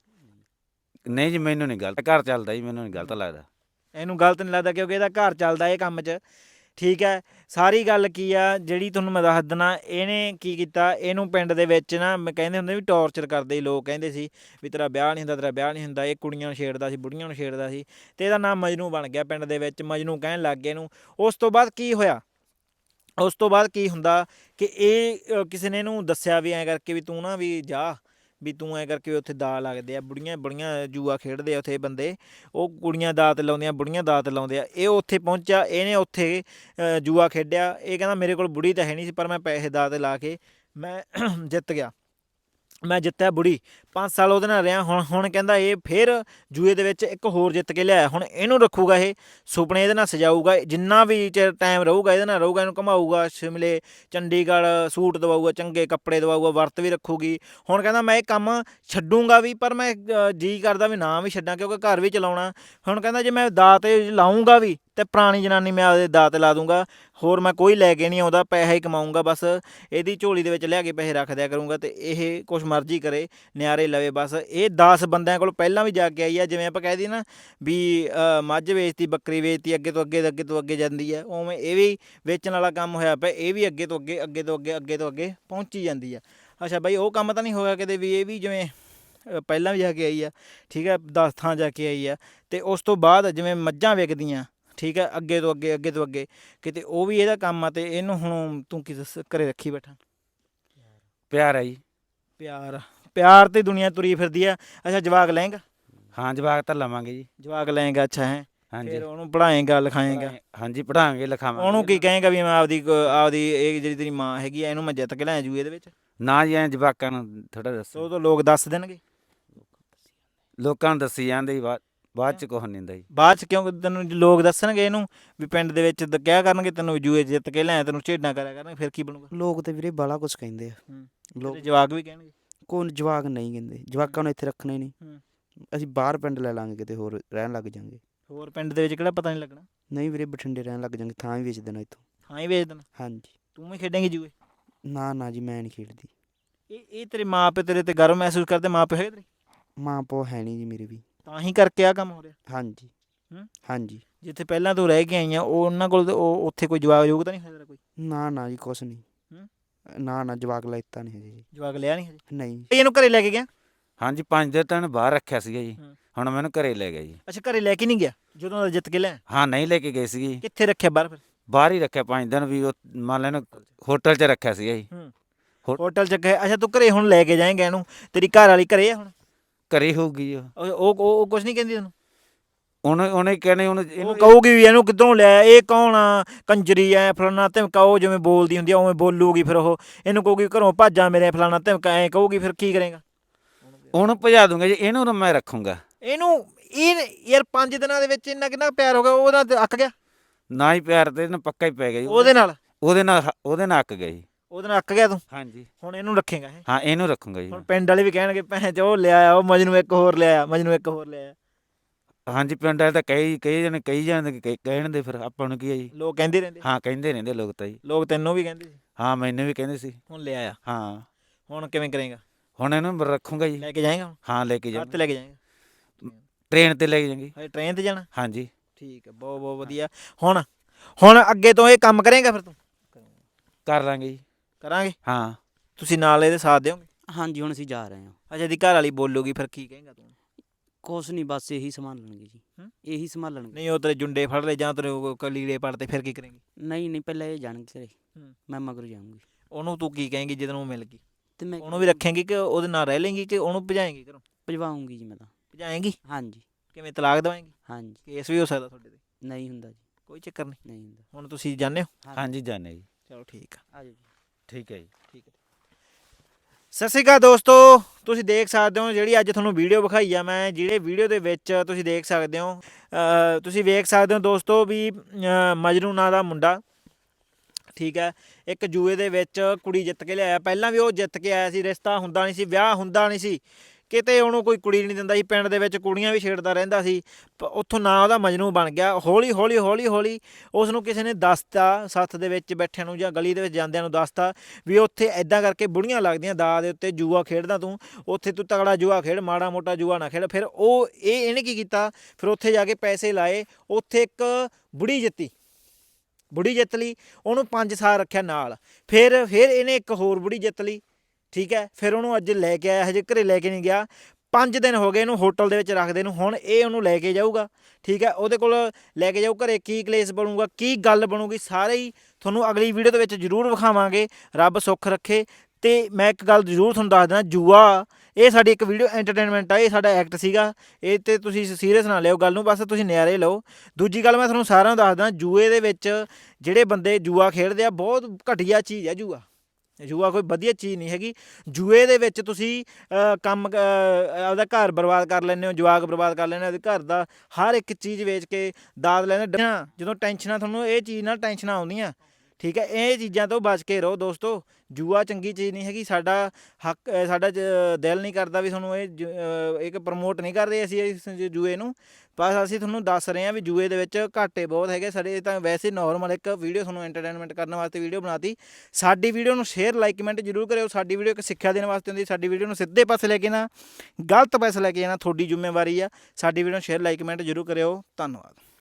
Speaker 2: ਨਹੀਂ ਜੀ, ਮੈਨੂੰ ਨਹੀਂ ਗਲਤ, ਘਰ ਚੱਲਦਾ ਜੀ, ਮੈਨੂੰ ਨਹੀਂ ਗਲਤ ਲੱਗਦਾ।
Speaker 1: ਇਹਨੂੰ ਗਲਤ ਨਹੀਂ ਲੱਗਦਾ ਕਿਉਂਕਿ ਇਹਦਾ ਘਰ ਚੱਲਦਾ ਇਹ ਕੰਮ 'ਚ, ਠੀਕ ਹੈ। ਸਾਰੀ ਗੱਲ ਕੀ ਆ ਜਿਹੜੀ ਤੁਹਾਨੂੰ ਮੈਂ ਦੱਸ ਦਿੰਦਾ, ਇਹਨੇ ਕੀ ਕੀਤਾ, ਇਹਨੂੰ ਪਿੰਡ ਦੇ ਵਿੱਚ ਨਾ ਕਹਿੰਦੇ ਹੁੰਦੇ ਵੀ ਟੌਰਚਰ ਕਰਦੇ ਸੀ ਲੋਕ, ਕਹਿੰਦੇ ਸੀ ਵੀ ਤੇਰਾ ਵਿਆਹ ਨਹੀਂ ਹੁੰਦਾ, ਤੇਰਾ ਵਿਆਹ ਨਹੀਂ ਹੁੰਦਾ। ਇਹ ਕੁੜੀਆਂ ਨੂੰ ਛੇੜਦਾ ਸੀ, ਬੁੜੀਆਂ ਨੂੰ ਛੇੜਦਾ ਸੀ, ਅਤੇ ਇਹਦਾ ਨਾਮ ਮਜਨੂ ਬਣ ਗਿਆ ਪਿੰਡ ਦੇ ਵਿੱਚ, ਮਜਨੂ ਕਹਿਣ ਲੱਗ ਗਏ ਇਹਨੂੰ। ਉਸ ਤੋਂ ਬਾਅਦ ਕੀ ਹੋਇਆ, ਉਸ ਤੋਂ ਬਾਅਦ ਕੀ ਹੁੰਦਾ ਕਿ ਇਹ ਕਿਸੇ ਨੇ ਇਹਨੂੰ ਦੱਸਿਆ ਵੀ ਐਂ ਕਰਕੇ ਵੀ ਤੂੰ ਨਾ ਵੀ ਜਾ, ਵੀ ਤੂੰ ਐਂ ਕਰਕੇ ਉੱਥੇ ਦਾ ਲੱਗਦੇ ਆ, ਬੁੜੀਆਂ ਜੂਆ ਖੇਡਦੇ ਆ ਉੱਥੇ ਬੰਦੇ, ਉਹ ਕੁੜੀਆਂ ਦਾਤ ਲਾਉਂਦੀਆਂ, ਬੁੜੀਆਂ ਦਾਤ ਲਾਉਂਦੇ ਆ। ਇਹ ਉੱਥੇ ਪਹੁੰਚਿਆ, ਇਹਨੇ ਉੱਥੇ ਜੂਆ ਖੇਡਿਆ। ਇਹ ਕਹਿੰਦਾ ਮੇਰੇ ਕੋਲ ਬੁੜੀ ਤਾਂ ਹੈ ਨਹੀਂ ਸੀ, ਪਰ ਮੈਂ ਪੈਸੇ ਦਾਤ ਲਾ ਕੇ ਮੈਂ ਜਿੱਤ ਗਿਆ, ਮੈਂ ਜਿੱਤਿਆ ਬੁੜੀ। 5 ਸਾਲ ਉਹਦੇ ਨਾਲ ਰਿਹਾ। ਹੁਣ ਕਹਿੰਦਾ ਇਹ ਫਿਰ ਜੂਏ ਦੇ ਵਿੱਚ ਇੱਕ ਹੋਰ ਜਿੱਤ ਕੇ ਲਿਆਇਆ। ਹੁਣ ਇਹਨੂੰ ਰੱਖੂਗਾ, ਇਹ ਸੁਪਨੇ ਇਹਦੇ ਨਾਲ ਸਜਾਊਗਾ, ਜਿੰਨਾ ਵੀ ਚਿਰ ਟਾਈਮ ਰਹੂਗਾ ਇਹਦੇ ਨਾਲ ਰਹੂਗਾ, ਇਹਨੂੰ ਘੁਮਾਊਗਾ ਸ਼ਿਮਲੇ, ਚੰਡੀਗੜ੍ਹ, ਸੂਟ ਦਵਾਊਗਾ, ਚੰਗੇ ਕੱਪੜੇ ਦਵਾਊਗਾ, ਵਰਤ ਵੀ ਰੱਖੂਗੀ। ਹੁਣ ਕਹਿੰਦਾ ਮੈਂ ਇਹ ਕੰਮ ਛੱਡੂੰਗਾ ਵੀ, ਪਰ ਮੈਂ ਜੀ ਕਰਦਾ ਵੀ ਨਾ ਵੀ ਛੱਡਾਂ ਕਿਉਂਕਿ ਘਰ ਵੀ ਚਲਾਉਣਾ। ਹੁਣ ਕਹਿੰਦਾ ਜੇ ਮੈਂ ਦਾਤ ਲਾਊਂਗਾ ਵੀ ਤੇ ਪੁਰਾਣੀ ਜਨਾਨੀ ਮੈਂ ਆਪਦੇ ਦਾਤ ਲਾ ਦੂੰਗਾ, ਹੋਰ ਮੈਂ ਕੋਈ ਲੈ ਕੇ ਨਹੀਂ ਆਉਂਦਾ, ਪੈਸਾ ਹੀ ਕਮਾਊਂਗਾ, ਬਸ ਇਹਦੀ ਝੋਲੀ ਦੇ ਵਿੱਚ ਲਿਆ ਕੇ ਪੈਸੇ ਰੱਖ ਦਿਆ ਕਰੂੰਗਾ, ਅਤੇ ਇਹ ਕੁਛ ਮਰਜ਼ੀ ਕਰੇ, ਨਿਆਰੇ ਲਵੇ ਬਸ। ਇਹ 10 ਬੰਦਿਆਂ ਕੋਲ ਪਹਿਲਾਂ ਵੀ ਜਾ ਕੇ ਆਈ ਆ, ਜਿਵੇਂ ਆਪਾਂ ਕਹਿ ਦਈਏ ਨਾ ਵੀ ਮੱਝ ਵੇਚਤੀ, ਬੱਕਰੀ ਵੇਚਤੀ, ਅੱਗੇ ਤੋਂ ਅੱਗੇ ਜਾਂਦੀ ਹੈ, ਉਵੇਂ ਇਹ ਵੀ ਵੇਚਣ ਵਾਲਾ ਕੰਮ ਹੋਇਆ ਪਿਆ। ਇਹ ਵੀ ਅੱਗੇ ਤੋਂ ਅੱਗੇ ਪਹੁੰਚੀ ਜਾਂਦੀ ਆ। ਅੱਛਾ ਬਾਈ, ਉਹ ਕੰਮ ਤਾਂ ਨਹੀਂ ਹੋਇਆ ਕਿਤੇ ਵੀ ਇਹ ਵੀ ਜਿਵੇਂ ਪਹਿਲਾਂ ਵੀ ਜਾ ਕੇ ਆਈ ਆ, ਠੀਕ ਹੈ, 10 ਥਾਂ ਜਾ ਕੇ ਆਈ ਆ, ਅਤੇ ਉਸ ਤੋਂ ਬਾਅਦ ਜਿਵੇਂ ਮੱਝਾਂ ਵਿਕਦੀਆਂ, ਠੀਕ ਹੈ, ਅੱਗੇ ਤੋਂ ਅੱਗੇ ਕਿਤੇ ਉਹ ਵੀ ਇਹਦਾ ਕੰਮ ਆ। ਅਤੇ ਇਹਨੂੰ ਹੁਣ ਤੂੰ ਕੀ ਘਰੇ ਰੱਖੀ ਬੈਠਾ?
Speaker 2: ਪਿਆਰ ਹੈ ਜੀ।
Speaker 1: ਪਿਆਰ ਤੇ ਦੁਨੀਆ ਤੁਰੀ ਫਿਰਦੀ ਆ। ਅੱਛਾ, ਜਵਾਕ ਲਏਂਗਾ?
Speaker 2: ਹਾਂ, ਜਵਾਕ ਤਾਂ ਲਵਾਂਗੇ ਜੀ।
Speaker 1: ਜਵਾਕ ਲਏਂਗਾ? ਅੱਛਾ ਹੈ।
Speaker 2: ਹਾਂਜੀ।
Speaker 1: ਫਿਰ ਉਹਨੂੰ ਪੜ੍ਹਾਏਂਗਾ, ਲਿਖਾਏਂਗਾ?
Speaker 2: ਹਾਂਜੀ, ਪੜ੍ਹਾਵਾਂਗੇ, ਲਿਖਾਵਾਂਗੇ।
Speaker 1: ਉਹਨੂੰ ਕੀ ਕਹੇਂਗਾ ਵੀ ਮੈਂ ਆਪਦੀ ਇਹ ਜਿਹੜੀ ਤੇਰੀ ਮਾਂ ਹੈਗੀ ਆ, ਇਹਨੂੰ ਮੈਂ ਜਿੱਤ ਕੇ ਲੈ ਜੂ ਇਹਦੇ ਵਿੱਚ?
Speaker 2: ਨਾ ਜੀ, ਐਂ ਜਵਾਕਾਂ ਨੂੰ ਥੋੜ੍ਹਾ ਦੱਸੋ।
Speaker 1: ਉਹ ਤਾਂ ਲੋਕ ਦੱਸ ਦੇਣਗੇ,
Speaker 2: ਲੋਕਾਂ ਨੂੰ ਦੱਸੀ ਜਾਂਦੇ ਜੀ, ਬਾਅਦ 'ਚ ਕੁਛ ਨਹੀਂ ਹੁੰਦਾ ਜੀ।
Speaker 1: ਬਾਅਦ 'ਚ ਕਿਉਂ ਤੈਨੂੰ ਲੋਕ ਦੱਸਣਗੇ ਇਹਨੂੰ ਵੀ ਪਿੰਡ ਦੇ ਵਿੱਚ ਕਿਹਾ ਕਰਨਗੇ ਤੈਨੂੰ ਜੂਏ ਜਿੱਤ ਕੇ ਲੈ, ਤੈਨੂੰ ਝੇਡਾਂ ਕਰਿਆ ਕਰਨਗੇ, ਫਿਰ ਕੀ ਬਣੂਗਾ?
Speaker 3: ਲੋਕ ਤੇ ਵੀਰੇ ਬਾਲਾ ਕੁਝ ਕਹਿੰਦੇ ਆ। ਲੋਕ
Speaker 1: ਜਵਾਕ ਵੀ ਕਹਿਣਗੇ?
Speaker 3: ਕੋਈ ਜਵਾਕ ਨਹੀਂ ਕਹਿੰਦੇ, ਜਵਾਕਾਂ ਨੂੰ ਇੱਥੇ ਰੱਖਣਾ ਹੀ ਨਹੀਂ। ਅਸੀਂ ਬਾਹਰ ਪਿੰਡ ਲੈ ਲਾਂਗੇ, ਕਿਤੇ ਹੋਰ ਰਹਿਣ ਲੱਗ ਜਾਂਗੇ।
Speaker 1: ਹੋਰ ਪਿੰਡ ਦੇ ਵਿੱਚ ਕਿਹੜਾ ਪਤਾ ਨਹੀਂ ਲੱਗਣਾ?
Speaker 3: ਨਹੀਂ ਵੀਰੇ, ਬਠਿੰਡੇ ਰਹਿਣ ਲੱਗ ਜਾਂਗੇ, ਥਾਂ ਹੀ ਵੇਚ ਦੇਣਾ ਇੱਥੋਂ।
Speaker 1: ਥਾਂ ਹੀ ਵੇਚ ਦੇਣਾ?
Speaker 3: ਹਾਂਜੀ।
Speaker 1: ਤੂੰ ਵੀ ਖੇਡੇਂਗੀ ਜੂਏ?
Speaker 3: ਨਾ ਜੀ, ਮੈਂ ਨਹੀਂ ਖੇਡਦੀ।
Speaker 1: ਇਹ ਤੇਰੇ ਮਾਂ ਪਿਓ ਤੇਰੇ ਤੇ ਗਰਵ ਮਹਿਸੂਸ ਕਰਦੇ? ਮਾਂ ਪਿਓ ਹੈਗੇ ਤੇਰੇ?
Speaker 3: ਮਾਂ ਪਿਓ ਹੈ ਨਹੀਂ ਜੀ ਮੇਰੇ ਵੀ।
Speaker 1: ਤਾਂ ਹੀ ਕਰਕੇ ਆਹ ਕੰਮ ਹੋ ਰਿਹਾ?
Speaker 3: ਹਾਂਜੀ। ਹਾਂਜੀ।
Speaker 1: ਜਿੱਥੇ ਪਹਿਲਾਂ ਤੂੰ ਰਹਿ ਕੇ ਆਈਆਂ ਉਹਨਾਂ ਕੋਲ ਉਹ ਉੱਥੇ ਕੋਈ ਜਵਾਕ ਯੋਗ ਤਾਂ ਨਹੀਂ ਹੋਇਆ ਕੋਈ?
Speaker 3: ਨਾ ਜੀ, ਕੁਛ ਨਹੀਂ। ਨਾ ਜਵਾਕ ਲੈਤਾ ਨਹੀਂ ਹਜੇ ਜੀ।
Speaker 1: ਜਵਾਕ ਲਿਆ ਨਹੀਂ ਹਜੇ?
Speaker 3: ਨਹੀਂ।
Speaker 1: ਇਹਨੂੰ ਘਰੇ ਲੈ ਕੇ ਗਿਆ?
Speaker 2: ਹਾਂਜੀ, 5 ਦਿਨ ਤਾਂ ਬਾਹਰ ਰੱਖਿਆ ਸੀਗਾ ਜੀ, ਹੁਣ ਮੈਨੂੰ ਘਰੇ ਲੈ ਗਿਆ ਜੀ।
Speaker 1: ਅੱਛਾ, ਘਰੇ ਲੈ ਕੇ ਨਹੀਂ ਗਿਆ ਜਦੋਂ ਦਾ ਜਿੱਤ ਕੇ ਲੈ?
Speaker 2: ਹਾਂ, ਨਹੀਂ ਲੈ ਕੇ ਗਏ ਸੀਗੇ।
Speaker 1: ਕਿੱਥੇ ਰੱਖਿਆ ਬਾਹਰ ਫਿਰ?
Speaker 2: ਬਾਹਰ ਹੀ ਰੱਖਿਆ 5 ਦਿਨ ਵੀ ਉਹ ਮੰਨ ਲੈਣ ਹੋਟਲ 'ਚ ਰੱਖਿਆ ਸੀ ਜੀ।
Speaker 1: ਹੋਟਲ ਚ ਗਏ। ਅੱਛਾ ਤੂੰ ਘਰੇ ਹੁਣ ਲੈ ਕੇ ਜਾਏਂਗਾ ਇਹਨੂੰ, ਤੇਰੀ ਘਰ ਵਾਲੀ ਘਰੇ ਆ ਹੁਣ?
Speaker 2: ਘਰੇ ਹੋਊਗੀ ਜੀ ਉਹ।
Speaker 1: ਉਹ ਕੁਝ ਨਹੀਂ ਕਹਿੰਦੀ ਉਹਨੂੰ?
Speaker 2: ਉਹਨੇ ਕਹਿੰਦੇ ਉਹਨੂੰ
Speaker 1: ਉਹ
Speaker 2: ਇਹਨੂੰ
Speaker 1: ਕਹੂਗੀ ਵੀ ਇਹਨੂੰ ਕਿੱਧਰੋਂ ਲਿਆ, ਇਹ ਕੌਣ ਆ, ਕੰਜਰੀ ਐ ਫਲਾਣਾ ਧਮਕਾ, ਉਹ ਜਿਵੇਂ ਬੋਲਦੀ ਹੁੰਦੀ ਆ ਉਵੇਂ ਬੋਲੂਗੀ। ਫਿਰ ਉਹ ਇਹਨੂੰ ਕਹੂਗੀ ਘਰੋਂ ਭਾਜਾਂ ਮੇਰੇ ਫਲਾਣਾ ਧਮਕਾ, ਐਂ ਕਹੂਗੀ। ਫਿਰ ਕੀ ਕਰੇਗਾ?
Speaker 2: ਉਹਨੂੰ ਭਜਾ ਦੂੰਗਾ ਜੀ, ਇਹਨੂੰ ਮੈਂ ਰੱਖੂੰਗਾ।
Speaker 1: ਇਹਨੂੰ ਇਹ ਯਾਰ 5 ਦਿਨਾਂ ਦੇ ਵਿੱਚ ਇੰਨਾ ਕਿੰਨਾ ਪਿਆਰ ਹੋ ਗਿਆ, ਉਹਦਾ ਤੇ ਅੱਕ ਗਿਆ
Speaker 2: ਨਾ ਹੀ ਪਿਆਰ ਤੇ ਇਹਨੂੰ ਪੱਕਾ ਹੀ ਪੈ ਗਿਆ ਜੀ।
Speaker 1: ਉਹਦੇ ਨਾਲ
Speaker 2: ਉਹਦੇ ਨਾਲ ਅੱਕ ਗਿਆ ਜੀ।
Speaker 1: ਉਹਦੇ ਨਾਲ ਅੱਕ ਗਿਆ ਤੂੰ?
Speaker 2: ਹਾਂਜੀ।
Speaker 1: ਹੁਣ ਇਹਨੂੰ ਰੱਖੇਗਾ?
Speaker 2: ਹਾਂ ਇਹਨੂੰ ਰੱਖੂੰਗਾ ਜੀ।
Speaker 1: ਹੁਣ ਪਿੰਡ ਵਾਲੇ ਵੀ ਕਹਿਣਗੇ ਭੈਣ ਚ ਉਹ ਲਿਆਇਆ, ਉਹ ਮਜਨੂੰ ਇੱਕ ਹੋਰ ਲਿਆਇਆ, ਮਜਨੂੰ ਇੱਕ ਹੋਰ ਲਿਆਇਆ।
Speaker 2: ਹਾਂਜੀ ਪਿੰਡ ਵਾਲੇ ਤਾਂ ਕਈ ਜਣੇ ਕਹਿਣ ਦੇ, ਫਿਰ ਆਪਾਂ ਨੂੰ ਕੀ ਹੈ ਜੀ।
Speaker 1: ਲੋਕ ਕਹਿੰਦੇ ਰਹਿੰਦੇ?
Speaker 2: ਹਾਂ ਕਹਿੰਦੇ ਰਹਿੰਦੇ ਲੋਕ ਤਾਂ ਜੀ।
Speaker 1: ਲੋਕ ਤੈਨੂੰ ਵੀ ਕਹਿੰਦੇ ਸੀ?
Speaker 2: ਹਾਂ ਮੈਨੂੰ ਵੀ ਕਹਿੰਦੇ ਸੀ।
Speaker 1: ਹੁਣ ਲਿਆਇਆ?
Speaker 2: ਹਾਂ।
Speaker 1: ਹੁਣ ਕਿਵੇਂ ਕਰੇਗਾ?
Speaker 2: ਹੁਣ ਇਹਨੂੰ ਰੱਖੂੰਗਾ ਜੀ।
Speaker 1: ਲੈ ਕੇ ਜਾਏਗਾ?
Speaker 2: ਹਾਂ ਲੈ ਕੇ
Speaker 1: ਹੱਥ
Speaker 2: ਜਾਵਾਂਗੇ।
Speaker 1: ਲੈ ਕੇ ਜਾਏਗਾ?
Speaker 2: ਟ੍ਰੇਨ ਤੇ ਲੈ ਕੇ ਜਾਵਾਂਗੇ।
Speaker 1: ਹਜੇ ਟ੍ਰੇਨ ਤੇ ਜਾਣਾ?
Speaker 2: ਹਾਂਜੀ।
Speaker 1: ਠੀਕ ਹੈ, ਬਹੁਤ ਬਹੁਤ ਵਧੀਆ। ਹੁਣ ਅੱਗੇ ਤੋਂ ਇਹ ਕੰਮ ਕਰੇਗਾ ਫਿਰ ਤੂੰ?
Speaker 2: ਕਰ ਲਾਂਗੇ ਜੀ।
Speaker 1: ਕਰਾਂਗੇ।
Speaker 2: ਹਾਂ।
Speaker 1: ਤੁਸੀਂ ਨਾਲ ਇਹਦੇ ਸਾਥ ਦਿਓਗੇ?
Speaker 3: ਹਾਂਜੀ ਹੁਣ ਅਸੀਂ ਜਾ ਰਹੇ ਹਾਂ।
Speaker 1: ਅੱਛਾ ਇਹਦੀ ਘਰ ਵਾਲੀ ਬੋਲੂਗੀ ਫਿਰ ਕੀ ਕਹੇਗਾ ਤੂੰ?
Speaker 3: ਕੁਛ ਨਹੀਂ, ਬਸ ਇਹੀ ਸੰਭਾਲਣਗੇ ਜੀ। ਇਹੀ ਸੰਭਾਲਣਗੇ।
Speaker 1: ਨਹੀਂ ਉਹ ਤੇਰੇ ਜੁੰਡੇ ਫੜ ਲੈ ਜਾਂ ਤੇਰੇ ਲੀੜੇ ਪੜਤੇ, ਫਿਰ ਕੀ ਕਰੇਂਗੀ?
Speaker 3: ਨਹੀਂ ਪਹਿਲਾਂ ਇਹ ਜਾਣਗੇ ਘਰੇ, ਮੈਂ ਮਗਰ ਜਾਊਂਗੀ।
Speaker 1: ਉਹਨੂੰ ਤੂੰ ਕੀ ਕਹੇਂਗੀ ਜਦੋਂ ਉਹ ਮਿਲ ਗਈ?
Speaker 3: ਤੇ ਮੈਂ
Speaker 1: ਉਹਨੂੰ ਵੀ ਰੱਖੇਂਗੀ ਕਿ ਉਹਦੇ ਨਾਲ ਰਹਿ ਲੇਂਗੀ ਕਿ ਉਹਨੂੰ ਭਜਾਏਂਗੀ ਘਰੋਂ?
Speaker 3: ਭਜਵਾਉਂਗੀ ਜੀ ਮੈਂ ਤਾਂ।
Speaker 1: ਭਜਾਏਂਗੀ?
Speaker 3: ਹਾਂਜੀ।
Speaker 1: ਕਿਵੇਂ, ਤਲਾਕ ਦਵਾਏਂਗੀ?
Speaker 3: ਹਾਂਜੀ।
Speaker 1: ਕੇਸ ਵੀ ਹੋ ਸਕਦਾ ਤੁਹਾਡੇ ਤੇ?
Speaker 3: ਨਹੀਂ ਹੁੰਦਾ ਜੀ।
Speaker 1: ਕੋਈ ਚੱਕਰ ਨਹੀਂ।
Speaker 3: ਨਹੀਂ ਹੁੰਦਾ।
Speaker 1: ਹੁਣ ਤੁਸੀਂ ਜਾਂਦੇ ਹੋ?
Speaker 2: ਹਾਂਜੀ ਜਾਣੇ ਜੀ।
Speaker 1: ਚਲੋ ਠੀਕ ਆ।
Speaker 3: ਆ ਜਾਓ ਜੀ।
Speaker 2: ਠੀਕ ਹੈ ਜੀ।
Speaker 1: ਠੀਕ ਹੈ। ਸਤਿ ਸ਼੍ਰੀ ਅਕਾਲ ਦੋਸਤੋ, ਤੁਸੀਂ ਦੇਖ ਸਕਦੇ ਹੋ ਜਿਹੜੀ ਅੱਜ ਤੁਹਾਨੂੰ ਵੀਡੀਓ ਵਿਖਾਈ ਆ ਮੈਂ, ਜਿਹੜੇ ਵੀਡੀਓ ਦੇ ਵਿੱਚ ਤੁਸੀਂ ਦੇਖ ਸਕਦੇ ਹੋ ਤੁਸੀਂ ਵੇਖ ਸਕਦੇ ਹੋ ਦੋਸਤੋ ਵੀ ਮਜਨੂੰ ਨਾਂ ਦਾ ਮੁੰਡਾ, ਠੀਕ ਹੈ, ਇੱਕ ਜੂਏ ਦੇ ਵਿੱਚ ਕੁੜੀ ਜਿੱਤ ਕੇ ਲਿਆਇਆ। ਪਹਿਲਾਂ ਵੀ ਉਹ ਜਿੱਤ ਕੇ ਆਇਆ ਸੀ, ਰਿਸ਼ਤਾ ਹੁੰਦਾ ਨਹੀਂ ਸੀ, ਵਿਆਹ ਹੁੰਦਾ ਨਹੀਂ ਸੀ, ਕਿਤੇ ਉਹਨੂੰ ਕੋਈ ਕੁੜੀ ਨਹੀਂ ਦਿੰਦਾ ਸੀ, ਪਿੰਡ ਦੇ ਵਿੱਚ ਕੁੜੀਆਂ ਵੀ ਛੇੜਦਾ ਰਹਿੰਦਾ ਸੀ। ਉੱਥੋਂ ਨਾਂ ਉਹਦਾ ਮਜਨੂੰ ਬਣ ਗਿਆ। ਹੌਲੀ ਹੌਲੀ ਉਸ ਨੂੰ ਕਿਸੇ ਨੇ ਦੱਸਤਾ, ਸੱਥ ਦੇ ਵਿੱਚ ਬੈਠਿਆਂ ਨੂੰ ਜਾਂ ਗਲੀ ਦੇ ਵਿੱਚ ਜਾਂਦਿਆਂ ਨੂੰ ਦੱਸਤਾ ਵੀ ਉੱਥੇ ਐਦਾਂ ਕਰਕੇ ਬੁੜੀਆਂ ਲੱਗਦੀਆਂ, ਦਾ ਦੇ ਉੱਤੇ ਜੂਆ ਖੇਡਦਾ ਤੂੰ, ਉੱਥੇ ਤੂੰ ਤਗੜਾ ਜੂਆ ਖੇਡ, ਮਾੜਾ ਮੋਟਾ ਜੂਆ ਨਾ ਖੇਡ। ਫਿਰ ਇਹਨੇ ਕੀ ਕੀਤਾ, ਫਿਰ ਉੱਥੇ ਜਾ ਕੇ ਪੈਸੇ ਲਾਏ, ਉੱਥੇ ਇੱਕ ਬੁੜੀ ਜਿੱਤ ਲਈ, ਉਹਨੂੰ 5 ਸਾਲ ਰੱਖਿਆ ਨਾਲ। ਫਿਰ ਇਹਨੇ ਇੱਕ ਹੋਰ ਬੁੜੀ ਜਿੱਤ ਲਈ, ਠੀਕ ਹੈ। ਫਿਰ ਉਹਨੂੰ ਅੱਜ ਲੈ ਕੇ ਆਇਆ, ਹਜੇ ਘਰੇ ਲੈ ਕੇ ਨਹੀਂ ਗਿਆ। 5 ਦਿਨ ਹੋ ਗਏ ਇਹਨੂੰ ਹੋਟਲ ਦੇ ਵਿੱਚ ਰੱਖਦੇ ਨੂੰ। ਹੁਣ ਇਹ ਉਹਨੂੰ ਲੈ ਕੇ ਜਾਊਗਾ, ਠੀਕ ਹੈ, ਉਹਦੇ ਕੋਲ ਲੈ ਕੇ ਜਾਊ ਘਰੇ। ਕੀ ਕਲੇਸ਼ ਬਣੂਗਾ, ਕੀ ਗੱਲ ਬਣੂਗੀ, ਸਾਰੇ ਹੀ ਤੁਹਾਨੂੰ ਅਗਲੀ ਵੀਡੀਓ ਦੇ ਵਿੱਚ ਜ਼ਰੂਰ ਵਿਖਾਵਾਂਗੇ। ਰੱਬ ਸੁੱਖ ਰੱਖੇ। ਅਤੇ ਮੈਂ ਇੱਕ ਗੱਲ ਜ਼ਰੂਰ ਤੁਹਾਨੂੰ ਦੱਸ ਦੇਣਾ, ਜੂਆ ਇਹ ਸਾਡੀ ਇੱਕ ਵੀਡੀਓ ਐਂਟਰਟੇਨਮੈਂਟ ਆ, ਇਹ ਸਾਡਾ ਐਕਟ ਸੀਗਾ, ਇਹ 'ਤੇ ਤੁਸੀਂ ਸੀਰੀਅਸ ਨਾ ਲਿਓ ਗੱਲ ਨੂੰ, ਬਸ ਤੁਸੀਂ ਨਿਆਰੇ ਲਓ। ਦੂਜੀ ਗੱਲ ਮੈਂ ਤੁਹਾਨੂੰ ਸਾਰਿਆਂ ਨੂੰ ਦੱਸਦਾ, ਜੂਏ ਦੇ ਵਿੱਚ ਜਿਹੜੇ ਬੰਦੇ ਜੂਆ ਖੇਡਦੇ ਆ, ਬਹੁਤ ਘਟੀਆ ਚੀਜ਼ ਹੈ ਜੂਆ ਕੋਈ ਵਧੀਆ ਚੀਜ਼ ਨਹੀਂ ਹੈਗੀ। ਜੂਏ ਦੇ ਵਿੱਚ ਤੁਸੀਂ ਕੰਮ ਆਪਦਾ ਘਰ ਬਰਬਾਦ ਕਰ ਲੈਂਦੇ ਹੋ, ਜਵਾਕ ਬਰਬਾਦ ਕਰ ਲੈਂਦੇ ਹੋ, ਆਪਦੇ ਘਰ ਦਾ ਹਰ ਇੱਕ ਚੀਜ਼ ਵੇਚ ਕੇ ਦਾਦ ਲੈਂਦੇ। ਜਦੋਂ ਟੈਨਸ਼ਨਾਂ, ਤੁਹਾਨੂੰ ਇਹ ਚੀਜ਼ ਨਾਲ ਟੈਨਸ਼ਨਾਂ ਆਉਂਦੀਆਂ, ਠੀਕ ਹੈ, ਇਹ ਚੀਜ਼ਾਂ ਤੋਂ ਬਚ ਕੇ ਰਹੋ ਦੋਸਤੋ। ਜੂਆ ਚੰਗੀ ਚੀਜ਼ ਨਹੀਂ ਹੈਗੀ। ਸਾਡਾ ਹੱਕ, ਸਾਡਾ ਦਿਲ ਨਹੀਂ ਕਰਦਾ ਵੀ ਤੁਹਾਨੂੰ ਇੱਕ ਪ੍ਰਮੋਟ ਨਹੀਂ ਕਰਦੇ ਅਸੀਂ ਇਸ ਜੂਏ ਨੂੰ, ਬਸ ਅਸੀਂ ਤੁਹਾਨੂੰ ਦੱਸ ਰਹੇ ਹਾਂ ਵੀ ਜੂਏ ਦੇ ਵਿੱਚ ਘਾਟੇ ਬਹੁਤ ਹੈਗੇ। ਸਾਡੇ ਤਾਂ ਵੈਸੇ ਨੋਰਮਲ ਇੱਕ ਵੀਡੀਓ ਤੁਹਾਨੂੰ ਐਂਟਰਟੇਨਮੈਂਟ ਕਰਨ ਵਾਸਤੇ ਵੀਡੀਓ ਬਣਾਤੀ। ਸਾਡੀ ਵੀਡੀਓ ਨੂੰ ਸ਼ੇਅਰ, ਲਾਈਕ, ਕਮੈਂਟ ਜ਼ਰੂਰ ਕਰਿਓ। ਸਾਡੀ ਵੀਡੀਓ ਇੱਕ ਸਿੱਖਿਆ ਦੇਣ ਵਾਸਤੇ ਹੁੰਦੀ। ਸਾਡੀ ਵੀਡੀਓ ਨੂੰ ਸਿੱਧੇ ਪਾਸੇ ਲੈ ਕੇ ਨਾ ਗਲਤ ਪਾਸੇ ਲੈ ਕੇ ਜਾਣਾ ਤੁਹਾਡੀ ਜ਼ਿੰਮੇਵਾਰੀ ਆ। ਸਾਡੀ ਵੀਡੀਓ ਨੂੰ ਸ਼ੇਅਰ, ਲਾਈਕ, ਕਮੈਂਟ ਜ਼ਰੂਰ ਕਰਿਓ। ਧੰਨਵਾਦ।